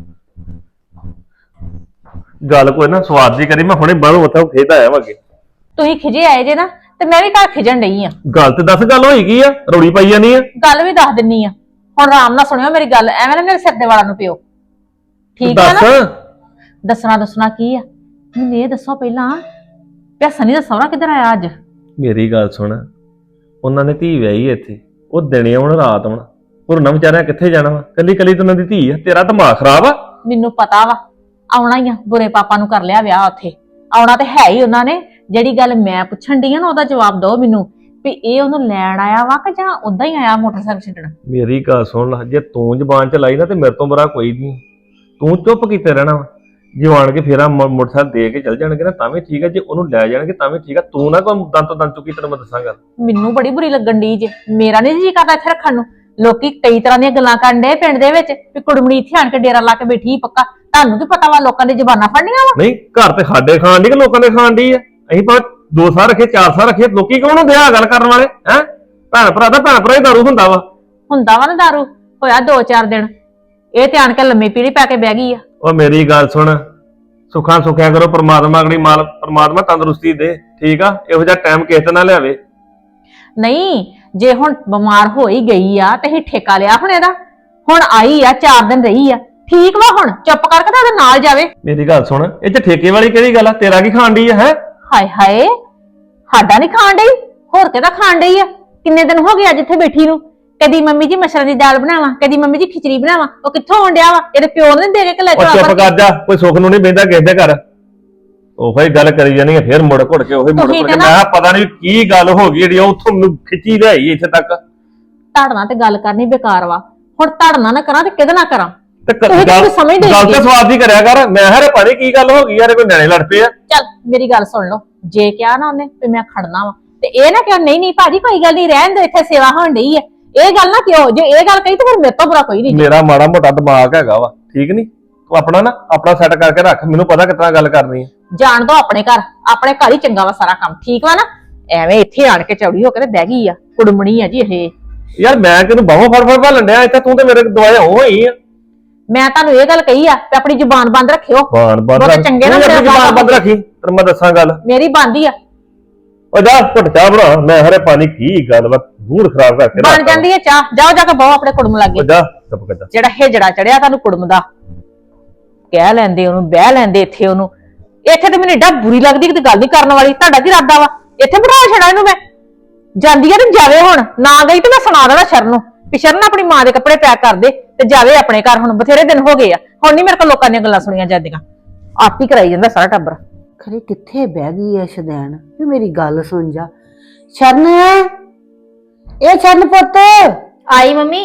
[SPEAKER 6] ਗੱਲ ਕੋਈ ਨਾ ਸਵਾਦ ਜੀ ਕਰੀ। ਮੈਂ ਹੁਣੇ ਬਾਹਰੋਂ ਉੱਥੋਂ ਖੇਤ ਆਇਆ ਵਾਂਗੇ।
[SPEAKER 5] ਤੁਸੀਂ ਖਿਜੇ ਆਏ ਜੇ ਨਾ ਤੇ ਮੈਂ ਵੀ ਘਰ ਖਿਜਣ ਡਈ ਆ।
[SPEAKER 6] ਗੱਲ ਤੇ ਦੱਸ, ਗੱਲ ਹੋਈ ਕੀ ਆ? ਰੋੜੀ ਪਾਈ ਜਾਨੀ ਆ।
[SPEAKER 5] ਗੱਲ ਵੀ ਦੱਸ ਦਿੰਨੀ ਆ। ਹੁਣ ਆਰਾਮ ਨਾਲ ਸੁਣਿਓ ਮੇਰੀ ਗੱਲ। ਐਵੇਂ ਨਾ ਮੇਰੇ ਸਿਰ ਦੇ ਵਾਲਾਂ ਨੂੰ ਪਿਓ, ਠੀਕ ਆ ਨਾ?
[SPEAKER 6] ਦੱਸ।
[SPEAKER 5] ਦੱਸਣਾ ਦੱਸਣਾ ਕੀ ਆ? ਮੈਨੂੰ ਇਹ ਦੱਸੋ ਪਹਿਲਾਂ, ਪਿਆਸਾ ਨਹੀਂ ਦੱਸਣਾ ਕਿੱਧਰ ਆਇਆ ਅੱਜ?
[SPEAKER 6] ਮੇਰੀ ਗੱਲ ਸੁਣ, ਉਹਨਾਂ ਨੇ ਧੀ ਵਿਆਹੀ ਇੱਥੇ। ਉਹ ਦਿਨੇ ਆਉਣ ਰਾਤ ਆਉਣ। ਹੋਰ ਨਾ ਵਿਚਾਰਿਆ ਕਿੱਥੇ ਜਾਣਾ ਵਾ? ਕੱਲੀ ਕੱਲੀ ਤਾਂ ਉਹਨਾਂ ਦੀ ਧੀ ਆ। ਤੇਰਾ ਦਿਮਾਗ ਖਰਾਬ ਆ।
[SPEAKER 5] ਮੈਨੂੰ ਪਤਾ ਵਾ ਆਉਣਾ ਹੀ ਆ। ਬੁਰੇ ਪਾਪਾ ਨੂੰ ਕਰ ਲਿਆ ਵਿਆਹ ਉੱਥੇ। ਆਉਣਾ ਤੇ ਹੈ ਹੀ ਉਹਨਾਂ ਨੇ। ਜਿਹੜੀ ਗੱਲ ਮੈਂ ਪੁੱਛਣ ਡਈ ਆ ਨਾ ਉਹਦਾ ਜਵਾਬ ਦਿਓ ਮੈਨੂੰ ਵੀ ਇਹ ਉਹਨੂੰ ਲੈਣ ਆਇਆ ਵਾ ਕਿ ਜਾਂ ਉਦਾਂ ਹੀ ਆਇਆ ਮੋਟਰਸਾਈਕਲ ਛੱਡਣ?
[SPEAKER 6] ਮੇਰੀ ਗੱਲ ਸੁਣ ਲੈ, ਜੇ ਤੂੰ ਜ਼ਬਾਨ ਚ ਲਾਈ ਨਾ ਤੇ ਮੇਰੇ ਤੋਂ ਬੁਰਾ ਕੋਈ ਨਹੀਂ। ਤੂੰ ਚੁੱਪ ਕੀਤੇ ਰਹਿਣਾ ਵਾ। ਜੇ ਆਣ ਕੇ ਫੇਰਾ ਮੋਟਰਸਾਈਕਲ ਦੇ ਕੇ ਚੱਲ ਜਾਣਗੇ ਨਾ ਤਾਂ ਵੀ ਠੀਕ ਹੈ। ਜੇ ਉਹਨੂੰ ਲੈ ਜਾਣਗੇ ਤਾਂ ਵੀ ਠੀਕ ਹੈ। ਤੂੰ ਨਾ ਕੋਈ ਦੰਦ ਤੋਂ ਦੰਦ ਚੁੱਕੀ ਤੈਨੂੰ ਮੈਂ ਦੱਸਾਂਗਾ।
[SPEAKER 5] ਮੈਨੂੰ ਬੜੀ ਬੁਰੀ ਲੱਗਣ ਡਈ ਜੇ। ਮੇਰਾ ਨਹੀਂ ਜੀ ਕਰਦਾ ਇੱਥੇ ਰੱਖਣ ਨੂੰ। ਲੋਕੀ ਕਈ ਤਰ੍ਹਾਂ ਦੀਆਂ ਗੱਲਾਂ ਕਰਨ ਡੇ ਪਿੰਡ ਦੇ ਵਿੱਚ ਵੀ ਕੁੜਮਣੀ ਇੱਥੇ ਆਣ ਕੇ ਡੇਰਾ ਲਾ ਕੇ ਬੈਠੀ ਪੱਕਾ। ਤੁਹਾਨੂੰ ਕੀ ਪਤਾ ਵਾ ਲੋਕਾਂ ਦੀ ਜ਼ਬਾਨਾਂ ਫੜਨੀਆਂ ਵਾ?
[SPEAKER 6] ਨਹੀਂ, ਘਰ ਤੇ ਸਾਡੇ ਖਾਣ ਦੀ ਕਿ ਲੋਕਾਂ ਦੇ ਖਾਣ ਦੀ ਆ। ਅਸੀਂ ਭਾਵੇਂ ਦੋ ਸਾਲ ਰੱਖੇ, ਚਾਰ ਸਾਲ ਰੱਖੇ, ਲੋਕੀ ਕੌਣ ਹੁੰਦੇ ਆ ਗੱਲ ਕਰਨ ਵਾਲੇ? ਹੈ ਭੈਣ ਭਰਾ ਦਾ ਭੈਣ ਭਰਾ ਹੀ ਦਾਰੂ ਹੁੰਦਾ ਵਾ।
[SPEAKER 5] ਹੁੰਦਾ ਵਾ ਨਾ ਦਾਰੂ। ਹੋਇਆ ਦੋ ਚਾਰ ਦਿਨ ਇਹ ਤੇ ਆਣ ਕੇ ਲੰਮੀ ਪੀੜੀ ਪੈ ਕੇ ਬਹਿ ਗਈ ਆ।
[SPEAKER 6] ਉਹ ਮੇਰੀ ਗੱਲ ਸੁਣ, ਸੁੱਖਾਂ ਸੁੱਖਿਆ ਕਰੋ। ਪਰਮਾਤਮਾ ਅਗਲੀ ਮਾਲ ਪਰਮਾਤਮਾ ਤੰਦਰੁਸਤੀ ਦੇ, ਠੀਕ ਆ? ਇਹੋ ਜਿਹਾ ਟਾਈਮ ਕਿਸੇ ਤੇ ਨਾ ਲਿਆਵੇ।
[SPEAKER 5] ਨਹੀਂ, ਜੇ ਹੁਣ ਬਿਮਾਰ ਹੋ ਹੀ ਗਈ ਆ ਤੇ ਅਸੀਂ ਠੇਕਾ ਲਿਆ ਹੁਣ ਇਹਦਾ। ਹੁਣ ਆਈ ਆ, ਚਾਰ ਦਿਨ ਰਹੀ ਆ, ਠੀਕ ਵਾ। ਹੁਣ ਚੁੱਪ ਕਰਕੇ ਤਾਂ ਉਹਦੇ ਨਾਲ ਜਾਵੇ।
[SPEAKER 6] ਮੇਰੀ ਗੱਲ ਸੁਣ, ਇਹ ਚ ਠੇਕੇ ਵਾਲੀ ਕਿਹੜੀ ਗੱਲ ਆ? ਤੇਰਾ ਕੀ ਖਾਣ ਦੀ ਆ? ਹੈ
[SPEAKER 5] ਹਾਏ ਹਾਏ, ਸਾਡਾ ਨਹੀਂ ਖਾਣ ਡਈ, ਹੋਰ ਕਿਹਦਾ ਖਾਣ ਡਈ ਆ? ਕਿੰਨੇ ਦਿਨ ਹੋ ਗਏ ਅੱਜ ਇੱਥੇ ਬੈਠੀ ਨੂੰ। ਕਦੀ ਮੰਮੀ ਜੀ ਮਸਰਾਂ ਦੀ ਦਾਲ ਬਣਾਵਾਂ, ਕਦੀ ਮੰਮੀ ਜੀ ਖਿਚੜੀ ਬਣਾਵਾਂ। ਉਹ ਕਿੱਥੋਂ ਆਉਣ ਡਿਆ ਵਾ? ਇਹਦੇ ਪਿਓ ਨੇ ਦੇ ਕੇ ਕਿ ਲੈ
[SPEAKER 6] ਉਹ ਚੁੱਪ ਕਰ ਜਾ। ਕੋਈ ਸੁੱਖ ਨੂੰ ਨਹੀਂ ਬਹਿੰਦਾ ਕਿਸੇ ਦੇ ਘਰ। ਉਹੀ ਗੱਲ ਕਰੀ ਜਾਣੀ ਆ, ਫੇਰ ਮੁੜ ਘੁੜ ਕੇ ਉਹੀ ਮੁੜ
[SPEAKER 5] ਤੁਸੀਂ
[SPEAKER 6] ਘੁੜ
[SPEAKER 5] ਤੇ
[SPEAKER 6] ਕੇ।
[SPEAKER 5] ਨਾ-
[SPEAKER 6] ਮੈਂ ਪਤਾ ਨਹੀਂ ਕੀ ਗੱਲ ਹੋ ਗਈ ਜਿਹੜੀ ਉੱਥੋਂ ਮੈਨੂੰ ਖਿੱਚੀ ਲਿਆਈ ਇੱਥੇ ਤੱਕ।
[SPEAKER 5] ਧੜਨਾ ਤੇ ਗੱਲ ਕਰਨੀ ਬੇਕਾਰ ਵਾ। ਹੁਣ ਧੜਨਾ ਨਾ ਕਰਾਂ ਤੇ ਕਿਹਦੇ ਨਾਲ ਕਰਾਂ?
[SPEAKER 6] ਤੇ ਕ-
[SPEAKER 5] ਤੁਸੀਂ ਤਾਂ
[SPEAKER 6] ਗੱਲ
[SPEAKER 5] ਕੋਈ ਸਮਝਦੇ ਹੀ
[SPEAKER 6] ਗੱਲ ਤੇ
[SPEAKER 5] ਨਹੀਂ।
[SPEAKER 6] ਸਵਾਦ ਦੀ ਕਰਿਆ ਕਰ। ਮੈਂ ਹਰੇ ਪਾਣੀ ਕੀ ਗੱਲ ਹੋ ਗਈ ਯਾਰ? ਕੋਈ ਨਿਆਣੇ ਲੜ ਪਏ ਆ?
[SPEAKER 5] ਚੱਲ ਮੇਰੀ ਗੱਲ ਸੁਣ ਲਓ। ਜੇ ਕਿਹਾ ਨਾ ਉਹਨੇ ਵੀ ਮੈਂ ਖੜਨਾ ਵਾ ਤੇ ਇਹ ਨਾ ਕਿਹਾ ਨਹੀਂ ਨਹੀਂ ਭਾਜੀ ਕੋਈ ਗੱਲ ਨਹੀਂ, ਰਹਿਣ ਦੇ, ਇੱਥੇ ਸੇਵਾ ਹੋਣ ਡਈ ਆ। ਇਹ ਗੱਲ ਨਾ ਕਿਉਂ? ਜੇ ਇਹ ਗੱਲ ਕਹੀ ਤਾਂ ਫਿਰ ਮੇਰੇ ਤੋਂ ਬੁਰਾ ਕੋਈ ਨਹੀਂ।
[SPEAKER 6] ਮੇਰਾ ਮਾੜਾ ਮੋਟਾ ਦਿਮਾਗ ਹੈਗਾ ਵਾ, ਠੀਕ ਨਹੀਂ? ਤੂੰ ਆਪਣਾ ਨਾ ਆਪਣਾ ਸੈੱਟ ਕਰਕੇ ਰੱਖ। ਮੈਨੂੰ ਪਤਾ ਕਿਤਨਾ ਗੱਲ ਕਰਨੀ ਹੈ।
[SPEAKER 5] ਜਾਣ ਦੋ ਆਪਣੇ ਘਰ। ਆਪਣੇ ਘਰ ਹੀ ਚੰਗਾ ਵਾ ਸਾਰਾ ਕੰਮ, ਠੀਕ ਵਾ ਨਾ? ਐਵੇਂ ਇੱਥੇ ਆਣ ਕੇ ਚੌੜੀ ਹੋ ਕੇ ਤੇ ਬਹਿ ਗਈ ਆ। ਕੁੜਮਣੀ ਆ ਜੀ ਇਹ।
[SPEAKER 6] ਯਾਰ ਮੈਂ ਕਿਹਨੂੰ ਬਾਹੋਂ ਫੜ ਫੜ ਭਾਲਣ ਡਿਆ ਇੱਥੇ? ਤੂੰ ਤੇ ਮੇਰੇ ਦੁਆਲੇ ਹੋ ਹੋਈ ਆ।
[SPEAKER 5] ਮੈਂ ਤੁਹਾਨੂੰ ਇਹ ਗੱਲ ਕਹੀ ਆ ਕਿ ਆਪਣੀ ਜ਼ੁਬਾਨ ਬੰਦ ਰੱਖਿਓ।
[SPEAKER 6] ਬਾਣ ਬੰਦ
[SPEAKER 5] ਬਹੁਤੇ
[SPEAKER 6] ਰੱਖ।
[SPEAKER 5] ਚੰਗੇ ਨਾ
[SPEAKER 6] ਤੂੰ ਆਪਣੀ
[SPEAKER 5] ਮੇਰੇ
[SPEAKER 6] ਜ਼ੁਬਾਨ ਬੰਦ ਰੱਖੀ। ਤੈਨੂੰ ਮੈਂ ਦੱਸਾਂ ਗੱਲ।
[SPEAKER 5] ਮੇਰੀ ਬੰਦੀ ਆ।
[SPEAKER 6] ਉਹ ਜਾ ਘੁੱਟ ਚਾਹ ਬਣਾ। ਮੈਂ ਹਰੇ ਪਾਣੀ ਕੀ ਗੱਲ ਵਾ, ਮੂਡ ਖਰਾਬ ਕਰਕੇ
[SPEAKER 5] ਬਣ
[SPEAKER 6] ਰੱਖਤਾ।
[SPEAKER 5] ਜਾਂਦੀ ਹੈ ਚਾਹ। ਜਾਓ ਜਾ ਕੇ ਬਹੁ ਆਪਣੇ ਕੁੜਮ
[SPEAKER 6] ਉਹ
[SPEAKER 5] ਲੱਗੇ।
[SPEAKER 6] ਜਾ ਚੁੱਪ ਕਰ ਜਾ।
[SPEAKER 5] ਜਿਹੜਾ ਹੇਜੜਾ ਚੜਿਆ ਤੁਹਾਨੂੰ ਕੁੜਮ ਦਾ, ਕਹਿ ਲੈਂਦੇ ਉਹਨੂੰ, ਬਹਿ ਲੈਂਦੇ ਇੱਥੇ ਉਹਨੂੰ। ਇੱਥੇ ਤੇ ਮੈਨੂੰ ਏਡਾ ਬੁਰੀ ਲੱਗਦੀ ਕਿ ਗੱਲ ਨਹੀਂ ਕਰਨ ਵਾਲੀ। ਤੁਹਾਡਾ ਕੀ ਇਰਾਦਾ ਵਾ? ਇੱਥੇ ਬਿਠਾ ਛੜਾ ਇਹਨੂੰ ਮੈਂ। ਜਾਂਦੀ ਆ ਤੇ ਜਾਵੇ। ਹੁਣ ਨਾ ਗਈ ਤੇ ਮੈਂ ਸੁਣਾ ਦੇਣਾ ਸ਼ਰਨ ਨੂੰ ਵੀ ਸ਼ਰਨ ਆਪਣੀ ਮਾਂ ਦੇ ਕੱਪੜੇ ਪੈਕ ਕਰ ਦੇ ਤੇ ਜਾਵੇ ਆਪਣੇ ਘਰ। ਹੁਣ ਬਥੇਰੇ ਦਿਨ ਹੋ ਗਏ ਆ। ਹੁਣ ਨਹੀਂ ਮੇਰੇ ਕੋਲ ਲੋਕਾਂ ਦੀਆਂ ਗੱਲਾਂ ਸੁਣੀਆਂ ਜਾਂਦੀਆਂ। ਆਪ ਹੀ ਕਰਾਈ ਜਾਂਦਾ ਸਾਰਾ ਟੱਬਰ।
[SPEAKER 1] ਖਰੇ ਕਿੱਥੇ ਬਹਿ ਗਈ ਐ ਸ਼ਦੈਣ? ਵੀ ਮੇਰੀ ਗੱਲ ਸੁਣ ਜਾ। ਸ਼ਰਨ, ਇਹ ਸ਼ਰਨ ਪੁੱਤ।
[SPEAKER 4] ਆਈ ਮੰਮੀ।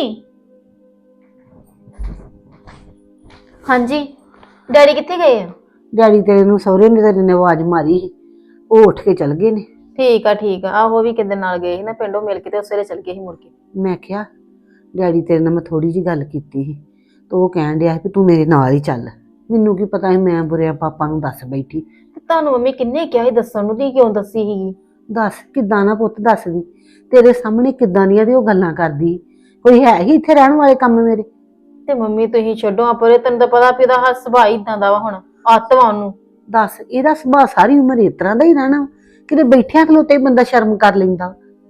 [SPEAKER 4] ਹਾਂਜੀ, ਡੈਡੀ ਕਿੱਥੇ ਗਏ ਆ?
[SPEAKER 1] ਡੈਡੀ ਤੇਰੇ ਨੂੰ ਸਹੁਰੇ ਨੇ ਤੇਰੇ ਨੇ ਆਵਾਜ਼ ਮਾਰੀ ਸੀ, ਉਹ ਉੱਠ ਕੇ ਚਲ ਗਏ ਨੇ।
[SPEAKER 4] ਠੀਕ ਆ ਠੀਕ ਆ। ਆਹੋ ਵੀ ਕਿਤੇ ਨਾਲ ਗਏ ਸੀ ਨਾ ਪਿੰਡੋਂ ਮਿਲ ਕੇ ਤੇ ਉਸੇ ਵੇਲੇ ਚਲ ਗਏ ਸੀ ਮੁੜ ਕੇ।
[SPEAKER 1] ਮੈਂ ਕਿਹਾ ਡੈਡੀ ਤੇਰੇ ਨਾਲ ਮੈਂ ਥੋੜੀ ਜੀ ਗੱਲ ਕੀਤੀ ਸੀ ਤੇ ਉਹ ਕਹਿਣ ਡਿਆ ਸੀ ਵੀ ਤੂੰ ਮੇਰੇ ਨਾਲ ਹੀ ਚੱਲ। ਮੈਨੂੰ ਕੀ ਪਤਾ ਸੀ, ਮੈਂ ਬੁਰਿਆਂ ਪਾਪਾ ਨੂੰ ਦੱਸ ਬੈਠੀ।
[SPEAKER 4] ਤੇ ਤੁਹਾਨੂੰ ਮੰਮੀ ਕਿੰਨੇ ਕਿਹਾ ਸੀ ਦੱਸਣ ਨੂੰ? ਤੀ ਕਿਉਂ ਦੱਸੀ ਸੀਗੀ?
[SPEAKER 1] ਦੱਸ ਕਿੱਦਾਂ ਨਾ ਪੁੱਤ ਦੱਸਦੀ। ਤੇਰੇ ਸਾਹਮਣੇ ਕਿੱਦਾਂ ਦੀਆਂ ਦੀ ਉਹ ਗੱਲਾਂ ਕਰਦੀ। ਕੋਈ ਹੈ ਹੀ ਇੱਥੇ ਰਹਿਣ ਵਾਲੇ ਕੰਮ ਮੇਰੇ?
[SPEAKER 4] ਤੇ ਮੰਮੀ ਤੁਸੀਂ ਛੱਡੋ ਆਪਰੇ, ਤੈਨੂੰ ਤਾਂ ਪਤਾ ਵੀ ਇਹਦਾ ਹ- ਸੁਭਾਅ ਇਦਾਂ ਦਾ ਵਾ, ਹੁਣ ਆਤਵਾ ਉਹਨੂੰ।
[SPEAKER 1] ਦੱਸ ਇਹਦਾ ਸੁਭਾਅ ਸਾਰੀ ਉਮਰ ਇਸ ਤਰ੍ਹਾਂ ਦਾ ਹੀ ਰਹਿਣਾ, ਕਿਤੇ ਬੈਠਿਆਂ ਖਲੋਤੇ ਹੀ ਬੰਦਾ ਸ਼ਰਮ ਕਰ ਲੈਂਦਾ।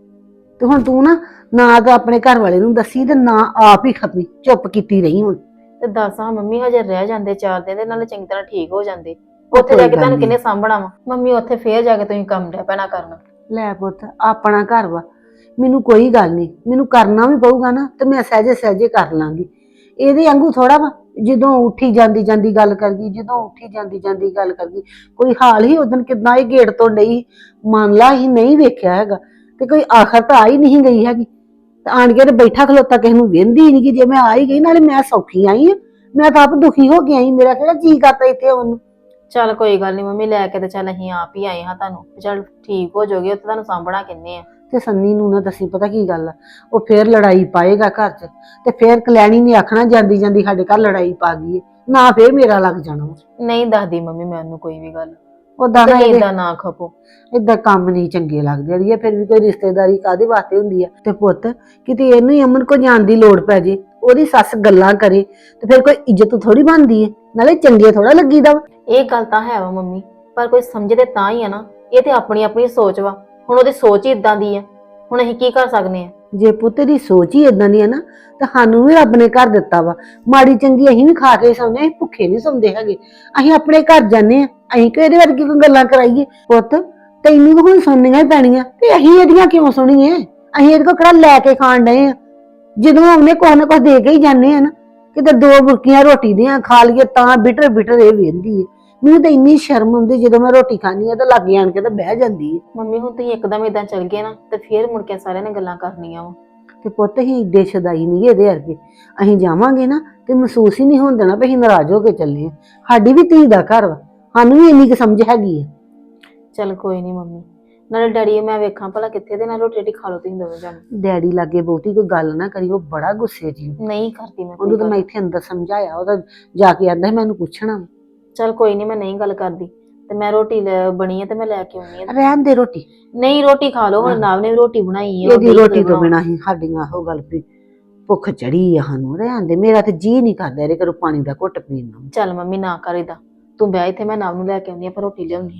[SPEAKER 1] ਤੇ ਹੁਣ ਤੂੰ ਨਾ ਨਾ ਤਾਂ ਆਪਣੇ ਘਰ ਵਾਲੇ ਨੂੰ ਦੱਸੀ ਤੇ ਨਾ ਆਪ ਹੀ ਖਪੀ, ਚੁੱਪ ਕੀਤੀ ਰਹੀ ਹੁਣ।
[SPEAKER 4] ਤੇ ਦੱਸ ਹਾਂ ਮੰਮੀ, ਹਜੇ ਰਹਿ ਜਾਂਦੇ ਚਾਰ ਦਿਨ ਦੇ ਨਾਲੇ ਚੰਗੀ ਤਰ੍ਹਾਂ ਠੀਕ ਹੋ ਜਾਂਦੇ।
[SPEAKER 1] ਉਹ
[SPEAKER 4] ਉੱਥੇ
[SPEAKER 1] ਕੋਈ
[SPEAKER 4] ਜਾ ਕੇ
[SPEAKER 1] ਗੱਲ
[SPEAKER 4] ਤੁਹਾਨੂੰ
[SPEAKER 1] ਨੀ।
[SPEAKER 4] ਕਿੰਨੇ ਸਾਂਭਣਾ ਵਾ ਮੰਮੀ, ਉੱਥੇ ਫੇਰ ਜਾ ਕੇ ਤੁਸੀਂ ਕੰਮ ਡਿਆ ਪੈਣਾ ਕਰਨ।
[SPEAKER 1] ਲੈ ਪੁੱਤ ਆਪਣਾ ਘਰ ਵਾ, ਮੈਨੂੰ ਕੋਈ ਗੱਲ ਨਹੀਂ, ਮੈਨੂੰ ਕਰਨਾ ਵੀ ਪਊਗਾ ਨਾ ਤੇ ਮੈਂ ਸਹਿਜੇ ਸਹਿਜੇ ਕਰ ਲਾਂਗੀ। ਇਹਦੇ ਵਾਂਗੂ ਥੋੜਾ ਵਾ ਜਦੋਂ ਉੱਠੀ ਜਾਂਦੀ ਜਾਂਦੀ ਗੱਲ ਕਰ ਗਈ, ਜਦੋਂ ਉੱਠੀ ਜਾਂਦੀ ਜਾਂਦੀ ਗੱਲ ਕਰ ਗਈ। ਕੋਈ ਹਾਲ ਹੀ ਉਦੋਂ ਕਿਦਾਂ ਇਹ ਗੇਟ ਤੋਂ ਡਈ, ਮੰਨ ਲਾ ਹੀ ਨਹੀਂ ਵੇਖਿਆ ਹੈਗਾ ਤੇ ਕੋਈ ਆਖਰ ਤਾਂ ਆ ਹੀ ਨਹੀਂ ਗਈ ਹੈਗੀ। ਤੇ ਆਣ ਕੇ ਤੇ ਬੈਠਾ ਖਲੋਤਾ ਕਿਸੇ ਨੂੰ ਵਹਿੰਦੀ ਨਹੀਂ ਕਿ ਜੇ ਮੈਂ ਆ ਹੀ ਗਈ, ਨਾਲੇ ਮੈਂ ਸੌਖੀ ਆਈ ਆ, ਮੈਂ ਤਾਂ ਆਪ ਦੁਖੀ ਹੋ ਕੇ ਆਈ, ਮੇਰਾ ਕਿਹੜਾ ਜੀ ਕਰਦਾ ਇੱਥੇ ਉਹਨੂੰ।
[SPEAKER 4] ਚੱਲ ਕੋਈ ਗੱਲ ਨਹੀਂ ਮੰਮੀ, ਲੈ ਕੇ ਤੇ ਚੱਲ ਅਸੀਂ ਆਪ ਹੀ ਆਏ ਹਾਂ ਤੁਹਾਨੂੰ, ਚੱਲ ਠੀਕ ਹੋ ਜਾਓਗੇ, ਉੱਥੇ ਤੁਹਾਨੂੰ ਸਾਂਭਣਾ ਕਿੰਨੇ ਆ।
[SPEAKER 1] ਤੇ ਸੰਨੀ ਨੂੰ ਨਾ ਦੱਸੀ, ਪਤਾ ਕੀ ਗੱਲ ਆ, ਉਹ ਫੇਰ ਲੜਾਈ ਪਾਏਗਾ ਘਰ 'ਚ, ਤੇ ਫੇਰ ਕਲੈਣੀ ਨੇ ਆਖਣਾ ਜਾਂਦੀ ਜਾਂਦੀ ਸਾਡੇ ਘਰ ਲੜਾਈ ਪਾ ਗਈ ਏ, ਨਾ ਫੇਰ ਮੇਰਾ ਲੱਗ ਜਾਣਾ।
[SPEAKER 4] ਨਹੀਂ ਦੱਸਦੀ ਮੰਮੀ ਮੈਂ ਉਹਨੂੰ ਕੋਈ ਵੀ ਗੱਲ,
[SPEAKER 1] ਉਦਾਂ ਨਾ
[SPEAKER 4] ਤੁਸੀਂ
[SPEAKER 1] ਇਹਦੇ
[SPEAKER 4] ਏਦਾਂ ਨਾ ਖਪੋ।
[SPEAKER 1] ਏਦਾਂ ਕੰਮ ਨਹੀਂ ਚੰਗੇ ਲੱਗਦੇ ਅੜੀਏ, ਫਿਰ ਵੀ ਕੋਈ ਰਿਸ਼ਤੇਦਾਰੀ ਕਾਹਦੇ ਵਾਸਤੇ ਹੁੰਦੀ ਆ। ਤੇ ਪੁੱਤ ਕਿਤੇ ਇਹਨੂੰ ਹੀ ਅਮਨ ਕੋ ਜਾਣ ਦੀ ਲੋੜ ਪੈ ਜੇ, ਉਹਦੀ ਸੱਸ ਗੱਲਾਂ ਕਰੇ ਤੇ ਫਿਰ ਕੋਈ ਇੱਜ਼ਤ ਥੋੜੀ ਬਣਦੀ ਏ, ਨਾਲੇ ਚੰਗੇ ਥੋੜਾ ਲੱਗੀਦਾ ਵਾ।
[SPEAKER 4] ਇਹ ਗੱਲ ਤਾਂ ਹੈ ਵਾ ਮੰਮੀ, ਪਰ ਕੋਈ ਸਮਝਦੇ ਤਾਂ ਹੀ ਆ ਨਾ, ਇਹ ਤੇ ਆਪਣੀ ਆਪਣੀ ਸੋਚ ਵਾ, ਹੁਣ ਉਹਦੀ ਸੋਚ ਹੀ ਇਦਾਂ ਦੀ ਆ, ਹੁਣ ਅਸੀਂ ਕੀ ਕਰ ਸਕਦੇ ਆ।
[SPEAKER 1] ਜੇ ਪੁੱਤ ਦੀ ਸੋਚ ਹੀ ਇਦਾਂ ਦੀ ਆ ਨਾ, ਤਾਂ ਸਾਨੂੰ ਵੀ ਰੱਬ ਨੇ ਘਰ ਦਿੱਤਾ ਵਾ, ਮਾੜੀ ਚੰਗੀ ਅਸੀਂ ਵੀ ਖਾ ਕੇ ਸੌਂਦੇ, ਅਸੀਂ ਭੁੱਖੇ ਨਹੀਂ ਸੌਂਦੇ ਹੈਗੇ। ਅਸੀਂ ਆਪਣੇ ਘਰ ਜਾਂਦੇ ਆ, ਅਸੀਂ ਕਿ ਇਹਦੇ ਵਰਗੀ ਕੋਈ ਗੱਲਾਂ ਕਰਾਈਏ। ਪੁੱਤ ਤੈਨੂੰ ਤਾਂ ਹੁਣ ਸੁਣਨੀਆਂ ਹੀ ਪੈਣੀਆਂ, ਤੇ ਅਸੀਂ ਇਹਦੀਆਂ ਕਿਉਂ ਸੁਣੀਏ? ਅਸੀਂ ਇਹਦੇ ਕੋਲ ਕਿਹੜਾ ਲੈ ਕੇ ਖਾਣ ਡਏ ਆ, ਜਦੋਂ ਉਹਨੇ ਕੁਛ ਨਾ ਕੁਛ ਦੇ ਕੇ ਹੀ ਜਾਂਦੇ ਆ ਨਾ। ਕਿਤੇ ਦੋ ਬੁਰਕੀਆਂ ਰੋਟੀ ਦੀਆਂ ਖਾ ਲਈਏ ਤਾਂ ਬਿਟਰ ਬਿਟਰ ਇਹ ਵੇਂਦੀ ਏ। ਮੈਨੂੰ ਤਾਂ ਇੰਨੀ ਸ਼ਰਮ ਆਉਂਦੀ ਜਦੋਂ ਮੈਂ ਰੋਟੀ ਖਾਣੀ ਆ ਤਾਂ ਲਾਗੇ ਆਣ ਕੇ ਤਾਂ ਬਹਿ ਜਾਂਦੀ ਏ।
[SPEAKER 4] ਮੰਮੀ ਹੁਣ ਤੁਸੀਂ ਇੱਕਦਮ ਇਦਾਂ ਚੱਲ ਗਏ ਨਾ, ਤੇ ਫੇਰ ਮੁੜ ਕੇ ਸਾਰਿਆਂ ਨੇ ਗੱਲਾਂ ਕਰਨੀਆਂ ਵਾ।
[SPEAKER 1] ਤੇ ਪੁੱਤ ਹੀ ਏਡੇ ਸ਼ਦਾਈ ਨਹੀਂ ਇਹਦੇ ਵਰਗੇ, ਅਸੀਂ ਜਾਵਾਂਗੇ ਨਾ ਤੇ ਮਹਿਸੂਸ ਹੀ ਨਹੀਂ ਹੋਣ ਦੇਣਾ ਵੀ ਅਸੀਂ ਨਾਰਾਜ਼ ਹੋ ਕੇ ਚੱਲੇ ਆ। ਸਾਡੀ ਵੀ ਧੀ ਦਾ ਘਰ ਵਾ, ਸਾਨੂੰ ਵੀ ਇੰਨੀ ਕੁ ਸਮਝ ਹੈਗੀ ਆ।
[SPEAKER 4] ਚੱਲ ਕੋਈ ਨਹੀਂ ਮੰਮੀ, ਨਾਲੇ ਡੈਡੀ ਮੈਂ ਵੇਖਾਂ ਭਲਾ ਕਿੱਥੇ, ਦੇ ਨਾਲ ਰੋਟੀ ਰੋਟੀ ਖਾ ਲਓ ਤੁਸੀਂ ਦੋਵੇਂ ਜਾਣੇ।
[SPEAKER 1] ਡੈਡੀ ਲਾਗੇ ਬਹੁਤੀ ਕੋਈ ਗੱਲ ਨਾ ਕਰੀ, ਉਹ ਬੜਾ ਗੁੱਸੇ ਜੀ।
[SPEAKER 4] ਨਹੀਂ ਕਰਦੀ ਮੈਂ ਕੋਈ
[SPEAKER 1] ਉਹਨੂੰ ਤਾਂ
[SPEAKER 4] ਗੱਲ।
[SPEAKER 1] ਮੈਂ ਇੱਥੇ ਅੰਦਰ ਸਮਝਾਇਆ, ਉਹਦਾ ਜਾ ਕੇ ਆਂਦਾ ਮੈਨੂੰ ਪੁੱਛਣਾ ਵਾ।
[SPEAKER 4] ਚੱਲ ਕੋਈ ਨਹੀਂ, ਮੈਂ ਨਹੀਂ ਗੱਲ ਕਰਦੀ, ਤੇ ਮੈਂ ਰੋਟੀ ਲੈ ਬਣੀ ਹੈ ਤੇ ਮੈਂ ਲੈ ਕੇ ਆਉਣੀ ਹੈ।
[SPEAKER 1] ਰਹਿਣ ਦੇ ਰੋਟੀ,
[SPEAKER 4] ਨਹੀਂ ਰੋਟੀ ਖਾ ਲਓ, ਹੁਣ ਨਾਵ ਨੇ ਵੀ ਰੋਟੀ ਬਣਾਈ ਹੈ।
[SPEAKER 1] ਇਹਦੀ ਰੋਟੀ ਤੋਂ ਬਿਨਾਂ ਹੀ ਸਾਡੀਆਂ ਉਹ ਗੱਲ ਵੀ ਭੁੱਖ ਚੜੀ ਆ ਸਾਨੂੰ। ਰਹਿਣ ਦੇ, ਮੇਰਾ ਤੇ ਜੀ ਨਹੀਂ ਕਰਦਾ ਇਹਦੇ ਘਰੋਂ ਪਾਣੀ ਦਾ ਘੁੱਟ ਪੀਣ ਨੂੰ।
[SPEAKER 4] ਚੱਲ ਮੰਮੀ ਨਾ ਕਰ ਏਦਾਂ, ਤੂੰ ਬਹਿ ਇੱਥੇ, ਮੈਂ ਨਾਵ ਨੂੰ ਲੈ ਕੇ ਆਉਣੀ ਆ, ਪਰ ਰੋਟੀ ਲਿਆਉਣੀ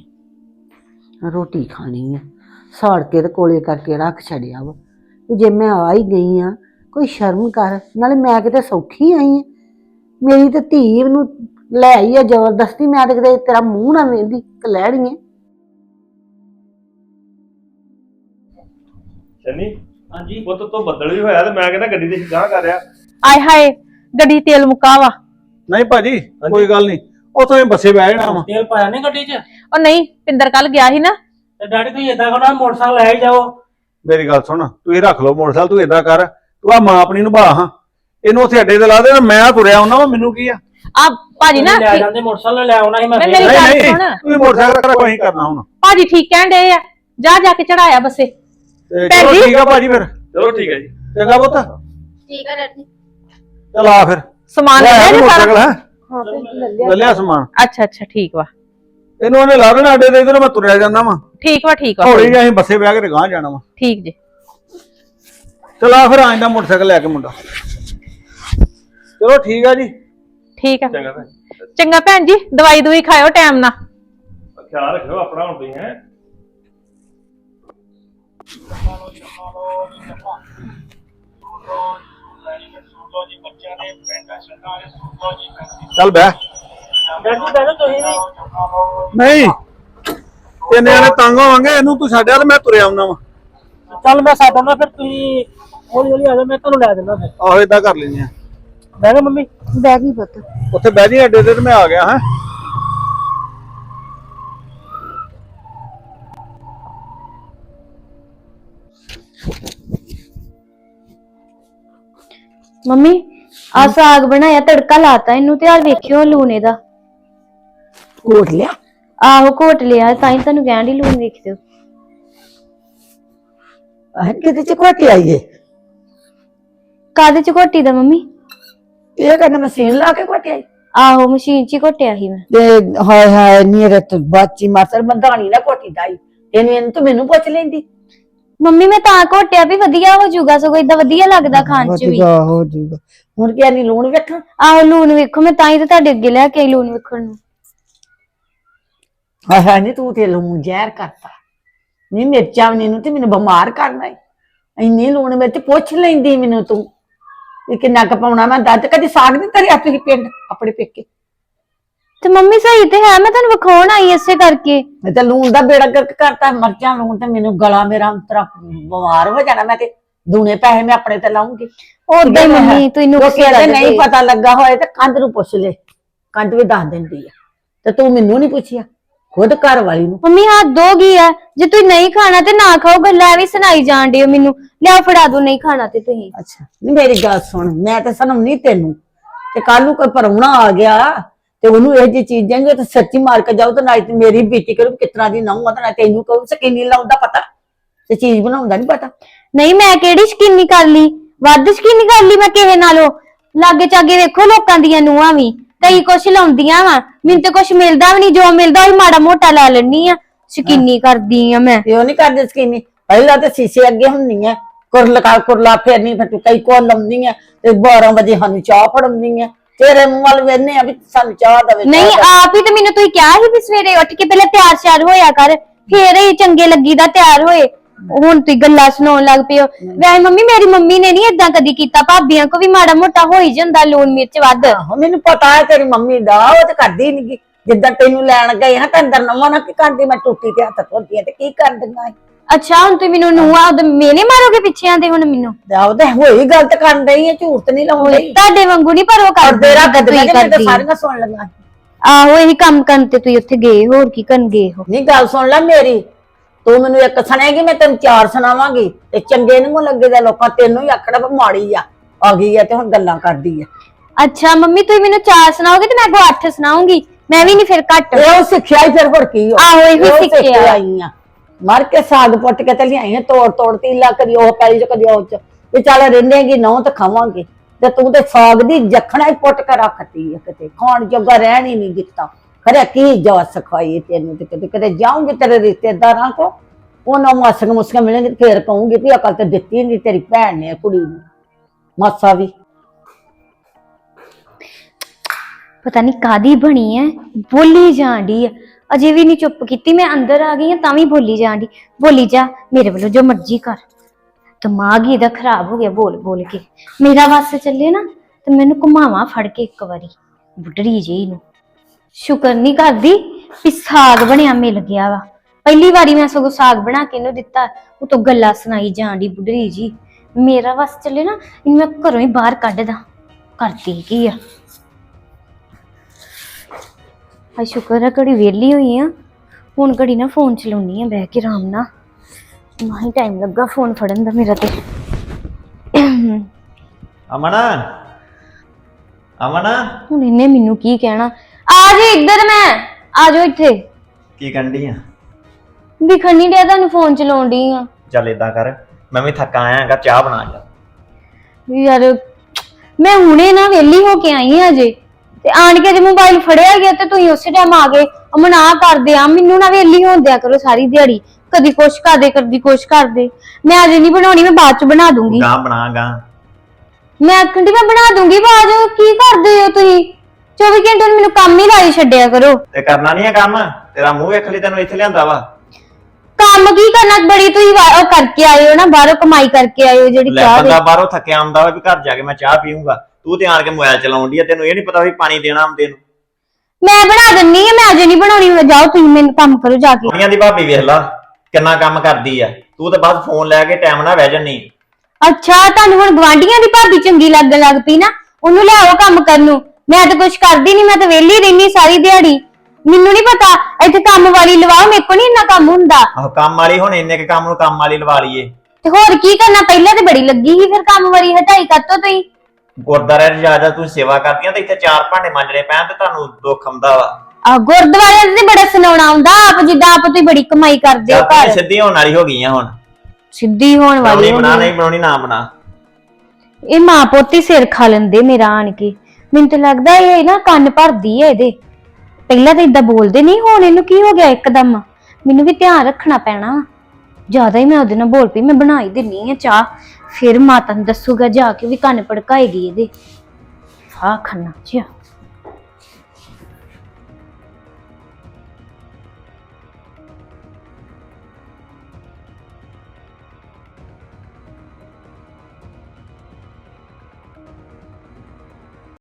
[SPEAKER 4] ਆ।
[SPEAKER 1] ਰੋਟੀ ਖਾਣੀ ਆ, ਸਾੜ ਕੇ ਤੇ ਕੋਲੇ ਕਰਕੇ ਰੱਖ ਛੜਿਆ ਵਾ ਵੀ ਜੇ ਮੈਂ ਆ ਹੀ ਗਈ ਆ ਕੋਈ ਸ਼ਰਮ ਕਰ, ਨਾਲੇ ਮੈਂ ਕਿਤੇ ਸੌਖੀ ਆਈ ਆ। ਮੇਰੀ ਤੇ ਧੀ ਨੂੰ ਲੈ ਆਈ ਆ ਜ਼ਬਰਦਸਤੀ, ਮੈਂ ਤੇ ਕਿਤੇ ਤੇਰਾ ਮੂੰਹ ਨਾ ਵੇਂਦੀ ਕਲੈੜੀਏ।
[SPEAKER 6] ਸ਼ਨੀ ਹਾਂਜੀ ਪੁੱਤ ਤੋਂ ਬੱਦਲ ਵੀ ਹੋਇਆ ਤੇ ਮੈਂ ਕਹਿੰਦਾ ਗੱਡੀ ਦੇ ਗਾਂਹ ਕਰ ਰਿਹਾ।
[SPEAKER 5] ਆਏ ਹਾਏ, ਗੱਡੀ ਤੇਲ ਮੁੱਕਾ ਵਾ।
[SPEAKER 2] ਨਹੀਂ ਭਾਜੀ ਕੋਈ ਗੱਲ ਨਹੀਂ, ਉੱਥੋਂ ਹੀ ਬੱਸੇ ਬਹਿ ਜਾਣਾ ਵਾ।
[SPEAKER 7] ਤੇਲ ਪਾਇਆ ਨਹੀਂ ਗੱਡੀ 'ਚ?
[SPEAKER 5] ਉਹ ਨਹੀਂ, ਪਿੰਦਰ ਕੱਲ ਗਿਆ ਸੀ ਨਾ।
[SPEAKER 7] ਤੇ ਡੈਡੀ ਤੁਸੀਂ ਏਦਾਂ ਕਰੋ ਨਾ, ਮੋਟਰਸਾਈਕਲ ਲੈ ਹੀ ਜਾਓ।
[SPEAKER 2] ਮੇਰੀ ਗੱਲ ਸੁਣ, ਤੂੰ ਇਹ ਰੱਖ ਲਓ ਮੋਟਰਸਾਈਕਲ, ਤੂੰ ਏਦਾਂ ਕਰ, ਤੂੰ ਆ ਮਾਂ ਆਪਣੀ ਨੂੰ ਭਾ ਹਾਂ, ਇਹਨੂੰ ਉੱਥੇ ਅੱਡੇ ਤੇ ਲਾ ਦੇ, ਮੈਂ ਤੁਰਿਆ ਆਉਣਾ ਵਾ, ਮੈਨੂੰ ਕੀ ਆ।
[SPEAKER 5] ਆ ਭਾਜੀ ਨਾ,
[SPEAKER 7] ਲੈ ਜਾਂਦੇ ਮੋਟਰਸਾਈਕਲ ਲੈ ਆਉਣਾ ਸੀ ਮੈਂ
[SPEAKER 5] ਮੈਂ
[SPEAKER 7] ਫੇਰ।
[SPEAKER 5] ਮੇਰੀ ਗੱਲ
[SPEAKER 2] ਨਹੀਂ
[SPEAKER 5] ਸੁਣ।
[SPEAKER 2] ਨਹੀਂ ਤੂੰ ਮੋਟਰਸਾਈਕਲ ਰੱਖ, ਕੋਈ ਕਰਨਾ ਹੁਣ।
[SPEAKER 5] ਭਾਜੀ ਠੀਕ ਕਹਿਣ ਡਏ ਆ, ਜਾ ਜਾ ਕੇ ਚੜਾਇਆ ਬੱਸੇ।
[SPEAKER 2] ਤੇ
[SPEAKER 5] ਭੈਣ
[SPEAKER 2] ਚਲੋ
[SPEAKER 5] ਜੀ।
[SPEAKER 2] ਠੀਕ ਆ ਭਾਜੀ, ਫਿਰ
[SPEAKER 6] ਚਲੋ ਠੀਕ ਹੈ ਜੀ।
[SPEAKER 2] ਚੰਗਾ ਪੁੱਤ,
[SPEAKER 4] ਠੀਕ ਹੈ ਡੈਡੀ।
[SPEAKER 2] ਚਲ ਆ ਫਿਰ
[SPEAKER 5] ਸਮਾਨ
[SPEAKER 2] ਲੈ
[SPEAKER 5] ਲੈ
[SPEAKER 2] ਆਇਆ
[SPEAKER 5] ਜਾ ਸਾਰਾ।
[SPEAKER 2] ਮੋਟਰਸਾਈਕਲ ਹੈ,
[SPEAKER 1] ਹਾਂ ਤੇ ਲੈ ਲਿਆ।
[SPEAKER 2] ਲੈ ਲਿਆ ਸਮਾਨ।
[SPEAKER 5] ਅੱਛਾ ਅੱਛਾ ਠੀਕ ਵਾ,
[SPEAKER 2] ਇਹਨੂੰ ਉਹਨੇ ਲਾ ਦੇਣਾ ਅੱਡੇ ਤੇ, ਇਧਰ ਮੈਂ ਤੁਰਿਆ ਜਾਂਦਾ ਵਾ,
[SPEAKER 5] ਠੀਕ ਵਾ ਠੀਕ ਵਾ,
[SPEAKER 2] ਹੌਲੀ ਜਿਹਾ ਅਸੀਂ ਬੱਸੇ ਬਹਿ ਕੇ ਤੇ ਗਾਂਹ ਜਾਣਾ ਵਾ।
[SPEAKER 5] ਠੀਕ ਜੀ।
[SPEAKER 2] ਚਲ ਆ ਫਿਰ, ਆ ਜਾਂਦਾ ਮੋਟਰਸਾਈਕਲ ਲੈ ਕੇ ਮੁੰਡਾ। ਚਲੋ ਠੀਕ ਆ ਜੀ।
[SPEAKER 5] ਠੀਕ ਆ,
[SPEAKER 6] ਚੰਗਾ ਭੈਣ,
[SPEAKER 5] ਚੰਗਾ ਭੈਣ ਜੀ, ਦਵਾਈ ਦਵਾਈ ਖਾਇਓ ਟਾਈਮ ਨਾਲ।
[SPEAKER 6] ਖਿਆਲ ਰੱਖਿਓ ਆਪਣਾ ਹੁਣ ਤੁਸੀਂ ਹੈ।
[SPEAKER 2] ਚੱਲ ਬਹਿ।
[SPEAKER 7] ਡੈਡੀ ਬੈਠੋ ਤੁਸੀਂ ਵੀ।
[SPEAKER 2] ਨਹੀਂ ਤੇ ਨਿਆਣੇ ਤੰਗ ਹੋਵਾਂਗੇ, ਇਹਨੂੰ ਤੂੰ ਛੱਡਿਆ ਤੇ ਮੈਂ ਤੁਰਿਆ ਆਉਣਾ ਵਾ।
[SPEAKER 7] ਚੱਲ ਮੈਂ ਸਾਡਾ ਨਾ, ਫਿਰ ਤੁਸੀਂ ਹੌਲੀ ਹੌਲੀ ਆ ਜਾਓ, ਮੈਂ ਤੁਹਾਨੂੰ ਲੈ ਦਿੰਦਾ ਫਿਰ।
[SPEAKER 2] ਆਹੋ ਏਦਾਂ ਕਰ ਲੈਂਦੇ ਆ।
[SPEAKER 7] ਬਹਿ ਗਏ ਮੰਮੀ?
[SPEAKER 1] ਬਹਿ ਗਈ ਪੁੱਤ।
[SPEAKER 2] ਉੱਥੇ ਬਹਿ ਜੀ ਅੱਡੇ ਤੇ, ਤੇ ਮੈਂ ਆ ਗਿਆ ਹਾਂ।
[SPEAKER 8] ਮੰਮੀ ਆ ਸਾਗ ਬਣਾਇਆ, ਤੜਕਾ ਲਾਤਾ ਇਹਨੂੰ, ਤੇ ਆ ਵੇਖਿਓ ਲੂਣ ਇਹਦਾ।
[SPEAKER 1] ਕੋਟ ਲਿਆ,
[SPEAKER 8] ਆਹੋ ਘੋਟ ਲਿਆ, ਤਾਂ ਹੀ ਤੁਹਾਨੂੰ ਕਹਿਣ ਦੀ ਲੂਣ ਵੇਖ ਦਿਓ।
[SPEAKER 1] ਅਹ ਕਿਤੇ ਚ ਕੋਟੀ ਆਈਏ।
[SPEAKER 8] ਕਾਹਦੇ ਚ ਘੋਟੀ ਦਾ ਮੰਮੀ?
[SPEAKER 1] ਇਹ ਕਹਿੰਦਾ ਮਸ਼ੀਨ ਲਾ ਕੇ ਕੋਟੀ ਆਈ
[SPEAKER 8] ਆਹੋ ਮਸ਼ੀਨ ਚ ਹੀ ਘੋਟਿਆ ਸੀ ਮੈਂ।
[SPEAKER 1] ਤੇ ਹਾਏ ਹਾਏ ਨੀਰੇ ਤੂੰ ਬਾਚੀ ਮਾਸਰ ਬੰਦਾਣੀ ਨਾ ਕੋਟੀ ਦਾਈ, ਇਹਨੂੰ ਇਹਨੂੰ ਤੂੰ ਮੈਨੂੰ ਪੁੱਛ ਲੈਂਦੀ।
[SPEAKER 8] ਮੰਮੀ ਮੈਂ ਤਾਂ ਘੋਟਿਆ ਵੀ ਵਧੀਆ ਹੋ ਜਾਊਗਾ, ਸਗੋਂ ਏਦਾਂ ਵਧੀਆ ਲੱਗਦਾ ਖਾਣ ਚ ਵੀ।
[SPEAKER 1] ਵਧੀਆ ਹੋ ਜੂਗਾ, ਹੁਣ ਕੀ ਨਹੀਂ ਲੂਣ ਵੇਖਾਂ?
[SPEAKER 8] ਆਹੋ ਲੂਣ ਵੇਖੋ, ਮੈਂ ਤਾਂ ਹੀ ਤਾਂ ਤੁਹਾਡੇ ਅੱਗੇ ਲੈ ਕੇ ਆਈ ਲੂਣ ਵੇਖਣ ਨੂੰ।
[SPEAKER 1] ਹਾਏ ਹਾਏ ਨੀ ਤੂੰ ਤੇ ਲੂਣ ਜ਼ਹਿਰ ਕਰਤਾ। ਨਹੀਂ ਮਿਰਚਾਂ ਵੀ ਨੂੰ ਤੇ ਮੈਨੂੰ ਬਿਮਾਰ ਕਰਨਾ ਈ। ਇੰਨੀ ਲੂਣ ਮਿਰਚ ਪੁੱਛ ਲੈਂਦੀ ਮੈਨੂੰ ਤੂੰ ਵੀ ਕਿੰਨਾ ਕੁ ਪਾਉਣਾ। ਮੈਂ ਦੱਸ ਕਦੀ ਸਾਗ ਨਹੀਂ ਧਰਿਆ ਤੁਸੀਂ ਪਿੰਡ ਆਪਣੇ ਪੇਕੇ?
[SPEAKER 8] ਤੇ ਮੰਮੀ ਸਹੀ ਤੇ ਹੈ, ਮੈਂ ਤੁਹਾਨੂੰ ਵਿਖਾਉਣ ਆਈ ਇਸੇ ਕਰਕੇ।
[SPEAKER 1] ਮੈਂ ਤਾਂ ਲੂਣ ਦਾ ਬੇੜਾ ਗਰਕ ਕਰਤਾ। ਮਿਰਚਾਂ ਲੂਣ ਤੇ ਮੈਨੂੰ ਗਲਾ ਮੇਰਾ ਅੰਤਰਾ ਬਿਮਾਰ ਹੋ ਜਾਣਾ। ਮੈਂ ਤੇ ਦੂਣੇ ਪੈਸੇ ਮੈਂ ਆਪਣੇ ਤੇ ਲਾਉਂਗੀ।
[SPEAKER 8] ਉਦਾਂ ਹੀ ਮੰਮੀ ਤੂੰ ਇਹਨੂੰ
[SPEAKER 1] ਲੋਕੀ ਕਹਿੰਦੇ ਨਹੀਂ ਪਤਾ ਲੱਗਾ ਹੋਏ ਤੇ ਕੰਧ ਨੂੰ ਪੁੱਛ ਲੈ, ਕੰਧ ਵੀ ਦੱਸ ਦਿੰਦੀ ਆ। ਤੇ ਤੂੰ ਮੈਨੂੰ ਨਹੀਂ ਪੁੱਛਿਆ, ਖੁਦ ਘਰ ਵਾਲੀ ਨੂੰ।
[SPEAKER 8] ਮੰਮੀ ਹੱਥ ਦੋਗੀ ਆ, ਜੇ ਤੂੰ ਨਹੀਂ ਖਾਣਾ ਤੇ ਨਾ ਖਾਓ, ਗੱਲਾਂ ਵੀ ਸੁਣਾਈ ਜਾਣ ਡਿਓ ਮੈਨੂੰ। ਲਿਆ ਫੜਾ ਦੋ, ਨਹੀਂ ਖਾਣਾ ਤੇ ਤੁਸੀਂ।
[SPEAKER 1] ਅੱਛਾ ਨਹੀਂ ਮੇਰੀ ਗੱਲ ਸੁਣ, ਮੈਂ ਤੇ ਸਨਮ ਨਹੀਂ ਤੈਨੂੰ, ਤੇ ਕੱਲ ਨੂੰ ਕੋਈ ਪਰਉਣਾ ਆ ਗਿਆ ਤੇ ਉਹਨੂੰ ਇਹ ਜੀ ਚੀਜ਼ਾਂ ਜੋ ਤੇ ਸੱਚੀ ਮਾਰ ਕੇ ਜਾਓ ਤੇ ਨਾ ਮੇਰੀ ਬੇਟੀ ਕਰੂ ਕਿਸ ਤਰ੍ਹਾਂ ਦੀ ਨਾ ਹੋਆ ਤੇ ਨਾ ਤੈਨੂੰ ਕਹੂ ਸਕੀਨੀ ਲਾਉਂਦਾ ਪਤਾ ਤੇ ਚੀਜ਼ ਬਣਾਉਂਦਾ ਨਹੀਂ ਪਤਾ।
[SPEAKER 8] ਨਹੀਂ ਮੈਂ ਕਿਹੜੀ ਸ਼ਕੀਨੀ ਕਰ ਲਈ, ਵੱਧ ਸ਼ਕੀਨੀ ਕਰ ਲਈ ਮੈਂ ਕਿਸੇ ਨਾਲੋਂ। ਲਾਗੇ ਚਾਗੇ ਵੇਖੋ ਲੋਕਾਂ ਦੀਆਂ ਨੂੰਹਾਂ ਵੀ ਕਈ ਕੁਛ ਲਾਉਂਦੀਆਂ ਵਾ, ਮੈਨੂੰ ਤੇ ਕੁਛ ਮਿਲਦਾ ਵੀ ਨਹੀਂ, ਜੋ ਮਿਲਦਾ ਉਹ ਮਾੜਾ ਮੋਟਾ ਲੈ ਲੈਣੀ ਆ। ਸ਼ਕੀਨੀ ਕਰਦੀ ਆ ਮੈਂ।
[SPEAKER 1] ਤੇ ਉਹ ਨਹੀਂ ਕਰਦੇ ਸਕੀਨੀ, ਪਹਿਲਾਂ ਤੇ ਸ਼ੀਸ਼ੇ ਅੱਗੇ ਹੁੰਦੀ ਆ, ਕੁਰਲ ਕਾ ਕੁਰਲਾ ਫੇਰਨੀ, ਫਿਰ ਕਈ ਕੋਲ ਲਾਉਂਦੀ ਆ ਤੇ ਬਾਰਾਂ ਵਜੇ ਸਾਨੂੰ ਚਾਹ ਫੜਾਉਂਦੀ ਆ। ਤੇਰੇ ਮੂੰਹ ਵੱਲ ਵੇਖਨੇ ਆ ਵੀ ਸਾਨੂੰ ਚਾਹ ਦਵੇ।
[SPEAKER 8] ਨਹੀਂ ਆਪ ਹੀ ਤੇ ਮੈਨੂੰ ਤੁਸੀਂ ਕਿਹਾ ਸੀ ਵੀ ਸਵੇਰੇ ਉੱਠ ਕੇ ਪਹਿਲਾਂ ਤਿਆਰ ਸ਼ਿਆਰ ਹੋਇਆ ਕਰ, ਫੇਰ ਹੀ ਚੰਗੇ ਲੱਗੀਦਾ ਤਿਆਰ ਹੋਏ। ਹੁਣ ਤੁਸੀਂ ਗੱਲਾਂ ਸੁਣਾਉਣ ਲੱਗ ਪਏ ਹੋ। ਵੈਸੇ ਮੰਮੀ ਮੇਰੀ ਮੰਮੀ ਨੇ ਨਹੀਂ ਏਦਾਂ ਕਦੀ ਕੀਤਾ, ਭਾਬੀਆਂ ਕੋ ਵੀ ਮਾੜਾ ਮੋਟਾ ਹੋ ਹੀ ਜਾਂਦਾ ਲੂਣ ਮਿਰਚ ਵੱਧ।
[SPEAKER 1] ਆਹੋ ਮੈਨੂੰ ਪਤਾ ਹੈ ਤੇਰੀ ਮੰਮੀ ਦਾ, ਉਹ ਤੇ ਕਰਦੀ ਨੀ। ਜਿੱਦਾਂ ਤੈਨੂੰ ਲੈਣ ਗਏ ਨਾ ਕੰਦਰ ਨਵਾਂ ਨਾ ਕੀ ਕਰਦੀ, ਮੈਂ ਟੁੱਟੀ ਤੇ ਹੱਥ ਧੋਦੀ ਤੇ ਕੀ ਕਰ ਦਿੰਦਾ।
[SPEAKER 8] ਅੱਛਾ ਹੁਣ ਤੁਸੀਂ ਮੈਨੂੰ ਨੂੰਹ ਆ ਮੇਨੇ ਮਾਰੋਗੇ ਪਿੱਛੇ ਆਂਦੇ ਹੁਣ ਮੈਨੂੰ?
[SPEAKER 1] ਉਹਦੇ ਹੋਈ ਗਲਤ ਕਰਨ ਡਈ ਆ, ਝੂਠ ਨਹੀਂ ਲਾਉਂਦੀ
[SPEAKER 8] ਤੁਹਾਡੇ ਵਾਂਗੂ ਨਹੀਂ, ਪਰ ਉਹ ਕਰਦੇ
[SPEAKER 1] ਮੈਂ ਸਾਰੀਆਂ ਸੁਣ ਲਈਆਂ।
[SPEAKER 8] ਆਹੋ ਇਹੀ ਕੰਮ ਕਰਨ ਤੇ ਤੁਸੀਂ ਉੱਥੇ ਗਏ, ਹੋਰ ਕੀ ਕਰਨ ਗਏ ਹੋ?
[SPEAKER 1] ਨਹੀਂ ਗੱਲ ਸੁਣ ਲੈ ਮੇਰੀ, ਤੂੰ ਮੈਨੂੰ ਇੱਕ ਸੁਣੇਗੀ ਮੈਂ ਤੈਨੂੰ ਚਾਰ ਸੁਣਾਵਾਂਗੀ ਤੇ ਚੰਗੇ ਨੂੰ ਲੱਗੇ ਦਾ ਲੋਕਾਂ ਤੈਨੂੰ ਹੀ ਆਖਣਾ ਵੀ ਮਾੜੀ ਆ ਆ ਗਈ ਆ ਤੇ ਹੁਣ ਗੱਲਾਂ ਕਰਦੀ ਆ।
[SPEAKER 8] ਅੱਛਾ ਮੰਮੀ ਤੁਸੀਂ ਮੈਨੂੰ ਚਾਰ ਸੁਣਾਓਗੇ ਤੇ ਮੈਂ ਕੋ ਅੱਠ ਸੁਣਾਉਂਗੀ, ਮੈਂ ਵੀ ਨਹੀਂ ਫਿਰ ਘੱਟ।
[SPEAKER 1] ਇਹ ਸਿੱਖਿਆ ਹੀ ਫਿਰ ਹੋਰ ਕੀ ਹੋ।
[SPEAKER 8] ਆਹੋ ਇਹੀ ਸਿੱਖਿਆ
[SPEAKER 1] ਆਈ ਆ, ਮਰ ਕੇ ਸਾਗ ਪੁੱਟ ਕੇ ਤੇ ਲਿਆਈ ਆ, ਤੋੜ ਤੋੜ ਤੀਲਾ ਕਦੀ ਉਹ ਪੈਲੀ ਚ ਕਦੀ ਉਹ ਚ, ਵੀ ਚੱਲ ਰਹਿੰਦੇਗੀ ਨਹੁੰ ਤੇ ਖਾਵਾਂਗੇ। ਤੇ ਤੂੰ ਤੇ ਸਾਗ ਦੀ ਜਖਣਾ ਹੀ ਪੁੱਟ ਕੇ ਰੱਖਤੀ ਆ, ਕਿਤੇ ਖਾਣ ਜੋਗਾ ਰਹਿਣ ਹੀ ਨਹੀਂ ਦਿੱਤਾ। ਖਰੇ ਕੀ ਜਾ ਸਿਖਾਈ ਤੈਨੂੰ, ਤੇ ਕਿਤੇ ਕਿਤੇ ਜਾਊਂਗੀ ਤੇਰੇ ਰਿਸ਼ਤੇਦਾਰਾਂ ਕੋ, ਉਹਨਾਂ ਮਾਸੀਆਂ ਮੁਸੀਆਂ ਮਿਲਣਗੇ ਫੇਰ ਕਹੂੰਗੀ ਵੀ ਅਕਲ ਤੇ ਦਿੱਤੀ ਨਹੀਂ ਤੇਰੀ ਭੈਣ ਨੇ ਕੁੜੀ ਨੂੰ ਮਾਸਾ ਵੀ।
[SPEAKER 8] ਪਤਾ ਨਹੀਂ ਕਾਦੀ ਬਣੀ ਐ, ਬੋਲੀ ਜਾਂਦੀ ਆ, ਅਜੇ ਵੀ ਨਹੀਂ ਚੁੱਪ ਕੀਤੀ। ਮੈਂ ਅੰਦਰ ਆ ਗਈ ਆ ਤਾਂ ਵੀ ਬੋਲੀ ਜਾਂਦੀ। ਬੋਲੀ ਜਾ, ਮੇਰੇ ਵੱਲੋਂ ਜੋ ਮਰਜ਼ੀ ਕਰ। ਦਿਮਾਗ ਹੀ ਇਹਦਾ ਖਰਾਬ ਹੋ ਗਿਆ ਬੋਲ ਬੋਲ ਕੇ। ਮੇਰਾ ਵੱਸ ਚੱਲੇ ਨਾ ਤੇ ਮੈਨੂੰ ਘੁਮਾਵਾਂ ਫੜ ਕੇ ਇੱਕ ਵਾਰੀ ਬੁੱਢੜੀ ਜਿਹੀ ਨੂੰ। ਸ਼ੁਕਰ ਨਹੀਂ ਕਰਦੀ ਵੀ ਸਾਗ ਬਣਿਆ ਮਿਲ ਗਿਆ ਵਾ। ਪਹਿਲੀ ਵਾਰੀ ਮੈਂ ਸਗੋਂ ਸਾਗ ਬਣਾ ਕੇ ਇਹਨੂੰ ਦਿੱਤਾ, ਉਹ ਤੋਂ ਗੱਲਾਂ ਸੁਣਾਈ ਜਾਂਦੀ ਬੁੱਢੜੀ ਜੀ। ਮੇਰਾ ਵੱਸ ਚੱਲੇ ਨਾ ਇਹਨੂੰ ਮੈਂ ਘਰੋਂ ਹੀ ਬਾਹਰ ਕੱਢਦਾ। ਕਰਦੀ ਕੀ ਆ? ਆ ਸ਼ੁਕਰ ਆ ਘੜੀ ਵਿਹਲੀ ਹੋਈ ਆ, ਹੁਣ ਘੜੀ ਨਾ ਫੋਨ ਚਲਾਉਣੀ ਆ ਬਹਿ ਕੇ ਆਰਾਮ ਨਾਲ। ਨਾ ਹੀ ਟਾਈਮ ਲੱਗਾ ਫੋਨ ਫੜਨ ਦਾ ਮੇਰਾ ਤੇ।
[SPEAKER 9] ਅਮਨ ਅਮਨ
[SPEAKER 8] ਹੁਣ ਇਹਨੇ ਮੈਨੂੰ ਕੀ ਕਹਿਣਾ? ਆ ਜੀ ਇੱਧਰ, ਮੈਂ ਆ ਜਾਓ ਇੱਥੇ।
[SPEAKER 9] ਕੀ ਕੰਡੀ ਆ?
[SPEAKER 8] ਦਿਖਣ ਨਹੀਂ ਡਿਆ ਤੁਹਾਨੂੰ, ਫੋਨ ਚਲਾਉਣ ਡਈ ਆ।
[SPEAKER 9] ਚੱਲ ਏਦਾਂ ਕਰ, ਮੈਂ ਵੀ ਥੱਕਾ ਆਇਆ ਹੈਗਾ, ਚਾਹ ਬਣਾ ਜਾ।
[SPEAKER 8] ਯਾਰ ਮੈਂ ਹੁਣੇ ਨਾ ਵਿਹਲੀ ਹੋ ਕੇ ਆਈ ਆ ਅਜੇ, ਤੇ ਆਣ ਕੇ ਜੇ ਮੋਬਾਈਲ ਫੜਿਆ ਗਿਆ ਤੇ ਤੁਸੀਂ ਉਸੇ ਟਾਈਮ ਆ ਗਏ। ਅਮਨ ਆ ਕਰਦੇ ਆ, ਮੈਨੂੰ ਨਾ ਵਿਹਲੀ ਹੋਣ ਦਿਆ ਕਰੋ ਸਾਰੀ ਦਿਹਾੜੀ, ਕਦੀ ਕੁਛ ਕਰਦੇ ਕਦੀ ਕੁਛ ਕਰਦੇ। ਮੈਂ ਅਜੇ ਨਹੀਂ ਬਣਾਉਣੀ, ਮੈਂ ਬਾਅਦ ਚ ਬਣਾ ਦੂੰਗੀ।
[SPEAKER 9] ਗਾਂ ਬਣਾ ਗਾਂ,
[SPEAKER 8] ਮੈਂ ਆਖਣ ਦੀ ਮੈਂ ਬਣਾ ਦੂੰਗੀ ਬਾਅਦ। ਕੀ ਕਰਦੇ ਹੋ ਤੁਸੀਂ? ਚੌਵੀ ਘੰਟੇ ਮੈਨੂੰ ਕੰਮ ਹੀ ਲਾਈ ਛੱਡਿਆ ਕਰੋ।
[SPEAKER 9] ਤੇ ਕਰਨਾ ਨਹੀਂ ਹੈ ਕੰਮ? ਤੇਰਾ ਮੂੰਹ ਵੇਖ ਲਈ, ਤੈਨੂੰ ਇੱਥੇ ਲਿਆਂਦਾ ਵਾ।
[SPEAKER 8] ਕੰਮ ਕੀ ਕਰਨਾ, ਬੜੀ ਤੁਸੀਂ ਵਾ- ਉਹ ਕਰਕੇ ਆਏ ਹੋ ਨਾ, ਬਾਹਰੋਂ ਕਮਾਈ ਕਰਕੇ ਆਏ ਹੋ ਜਿਹੜੀ
[SPEAKER 9] ਲੈ
[SPEAKER 8] ਚਾਹ
[SPEAKER 9] ਬੰਦਾ
[SPEAKER 8] ਦੇ।
[SPEAKER 9] ਬਾਹਰੋਂ ਥੱਕਿਆ ਆਉਂਦਾ ਵਾ ਵੀ ਘਰ ਜਾ ਕੇ ਮੈਂ ਚਾਹ ਪੀਊਂਗਾ, ਤੂੰ ਤੇ ਆਣ ਕੇ ਮੋਬਾਈਲ ਚਲਾਉਣ ਦੀ ਆ। ਤੈਨੂੰ ਇਹ ਨਹੀਂ ਪਤਾ ਵੀ ਪਾਣੀ ਦੇਣਾ ਆਉਂਦੇ ਨੂੰ।
[SPEAKER 8] ਮੈਂ ਬਣਾ ਦਿੰਨੀ ਆ, ਮੈਂ ਅਜੇ ਨਹੀਂ ਬਣਾਉਣੀ। ਜਾਓ ਤੁਸੀਂ, ਮੈਨੂੰ ਕੰਮ ਕਰੋ ਜਾ ਕੇ।
[SPEAKER 9] ਕੁੜੀਆਂ ਦੀ ਭਾਬੀ ਵੇਖ ਲਾ ਕਿੰਨਾ ਕੰਮ ਕਰਦੀ ਆ, ਤੂੰ ਤਾਂ ਬਸ ਫੋਨ ਲੈ ਕੇ ਟਾਈਮ ਨਾਲ ਬਹਿ ਜੰਨੀ।
[SPEAKER 8] ਅੱਛਾ ਤੁਹਾਨੂੰ ਹੁਣ ਗਵਾਂਢੀਆਂ ਦੀ ਭਾਬੀ ਚੰਗੀ ਲੱਗਣ ਲੱਗ ਪਈ ਨਾ, ਉਹਨੂੰ ਲਿਆਓ ਕੰਮ ਕਰਨ ਨੂੰ। ਮੈਂ ਤਾਂ ਕੁਛ ਕਰਦੀ ਨਹੀਂ, ਮੈਂ ਤਾਂ ਵਿਹਲੀ ਰਹਿਨੀ ਸਾਰੀ ਦਿਹਾੜੀ। ਮੈਨੂੰ ਨਹੀਂ ਪਤਾ, ਇੱਥੇ ਕੰਮ ਵਾਲੀ ਲਵਾਓ, ਮੇਰੇ ਕੋਲ ਨਹੀਂ ਇੰਨਾ ਕੰਮ ਹੁੰਦਾ।
[SPEAKER 9] ਆਹੋ ਕੰਮ ਵਾਲੀ, ਹੁਣ ਇੰਨੇ ਕੇ ਕੰਮ ਨੂੰ ਕੰਮ ਵਾਲੀ ਲਵਾ ਲਈਏ।
[SPEAKER 8] ਤੇ ਹੋਰ ਕੀ ਕਰਨਾ, ਪਹਿਲਾਂ ਤੇ ਬੜੀ ਲੱਗੀ ਸੀ, ਫਿਰ ਕੰਮ ਵਾਲੀ ਹਟਾਈ ਕੱਤੋ ਤੁਸੀਂ।
[SPEAKER 9] ਗੁਰਦਾਰੇ ਜਾ ਜਾ ਤੂੰ ਸੇਵਾ ਕਰਦੀਆਂ ਤੇ ਇੱਥੇ ਚਾਰ ਭਾਂਡੇ ਮਾਂਜਣੇ ਪੈਣ ਤੇ ਤੁਹਾਨੂੰ ਦੁੱਖ ਆਉਂਦਾ ਵਾ।
[SPEAKER 8] ਆ ਗੁਰਦੁਆਰੇ ਤੇ ਬੜਾ ਸੁਣਾਉਣਾ ਆਉਂਦਾ, ਆਪ ਜਿੱਦਾਂ ਆਪ ਤੁਸੀਂ ਬੜੀ ਕਮਾਈ ਕਰਦੇ ਹੋ
[SPEAKER 9] ਚੱਲ
[SPEAKER 8] ਘਰ।
[SPEAKER 9] ਤੂੰ ਸਿੱਧੀ ਹੋਣ ਵਾਲੀ ਹੋ ਗਈ ਆ ਹੁਣ।
[SPEAKER 8] ਸਿੱਧੀ ਹੋਣ ਵਾਲੀ
[SPEAKER 9] ਬਣਾਉਣੀ
[SPEAKER 8] ਹੋ
[SPEAKER 9] ਬਣਾ,
[SPEAKER 8] ਗਈ।
[SPEAKER 9] ਨਹੀਂ ਬਣਾਉਣੀ ਨਾ ਬਣਾ।
[SPEAKER 8] ਇਹ ਮਾਂ ਪੋਤੀ ਸਿਰ ਖਾ ਲੈਂਦੇ ਮੇਰਾ ਆਣ ਕੇ। ਮੈਨੂੰ ਤਾਂ ਲੱਗਦਾ ਇਹ ਨਾ ਕੰਨ ਭਰਦੀ ਹੈ ਇਹਦੇ। ਪਹਿਲਾਂ ਤਾਂ ਇਦਾਂ ਬੋਲਦੇ ਨਹੀਂ, ਹੁਣ ਇਹਨੂੰ ਕੀ ਹੋ ਗਿਆ ਇੱਕਦਮ? ਮੈਨੂੰ ਵੀ ਧਿਆਨ ਰੱਖਣਾ ਪੈਣਾ। ਜ਼ਿਆਦਾ ਹੀ ਮੈਂ ਉਹਦੇ ਨਾਲ ਬੋਲ ਪਈ। ਮੈਂ ਬਣਾ ਹੀ ਦਿੰਨੀ ਆ ਚਾਹ, ਫਿਰ ਮਾਤਾ ਨੂੰ ਦੱਸੂਗਾ ਜਾ ਕੇ ਵੀ ਕੰਨ ਭੜਕਾਏਗੀ ਇਹਦੇ। ਦਫਾ ਖੰਨਾ ਚ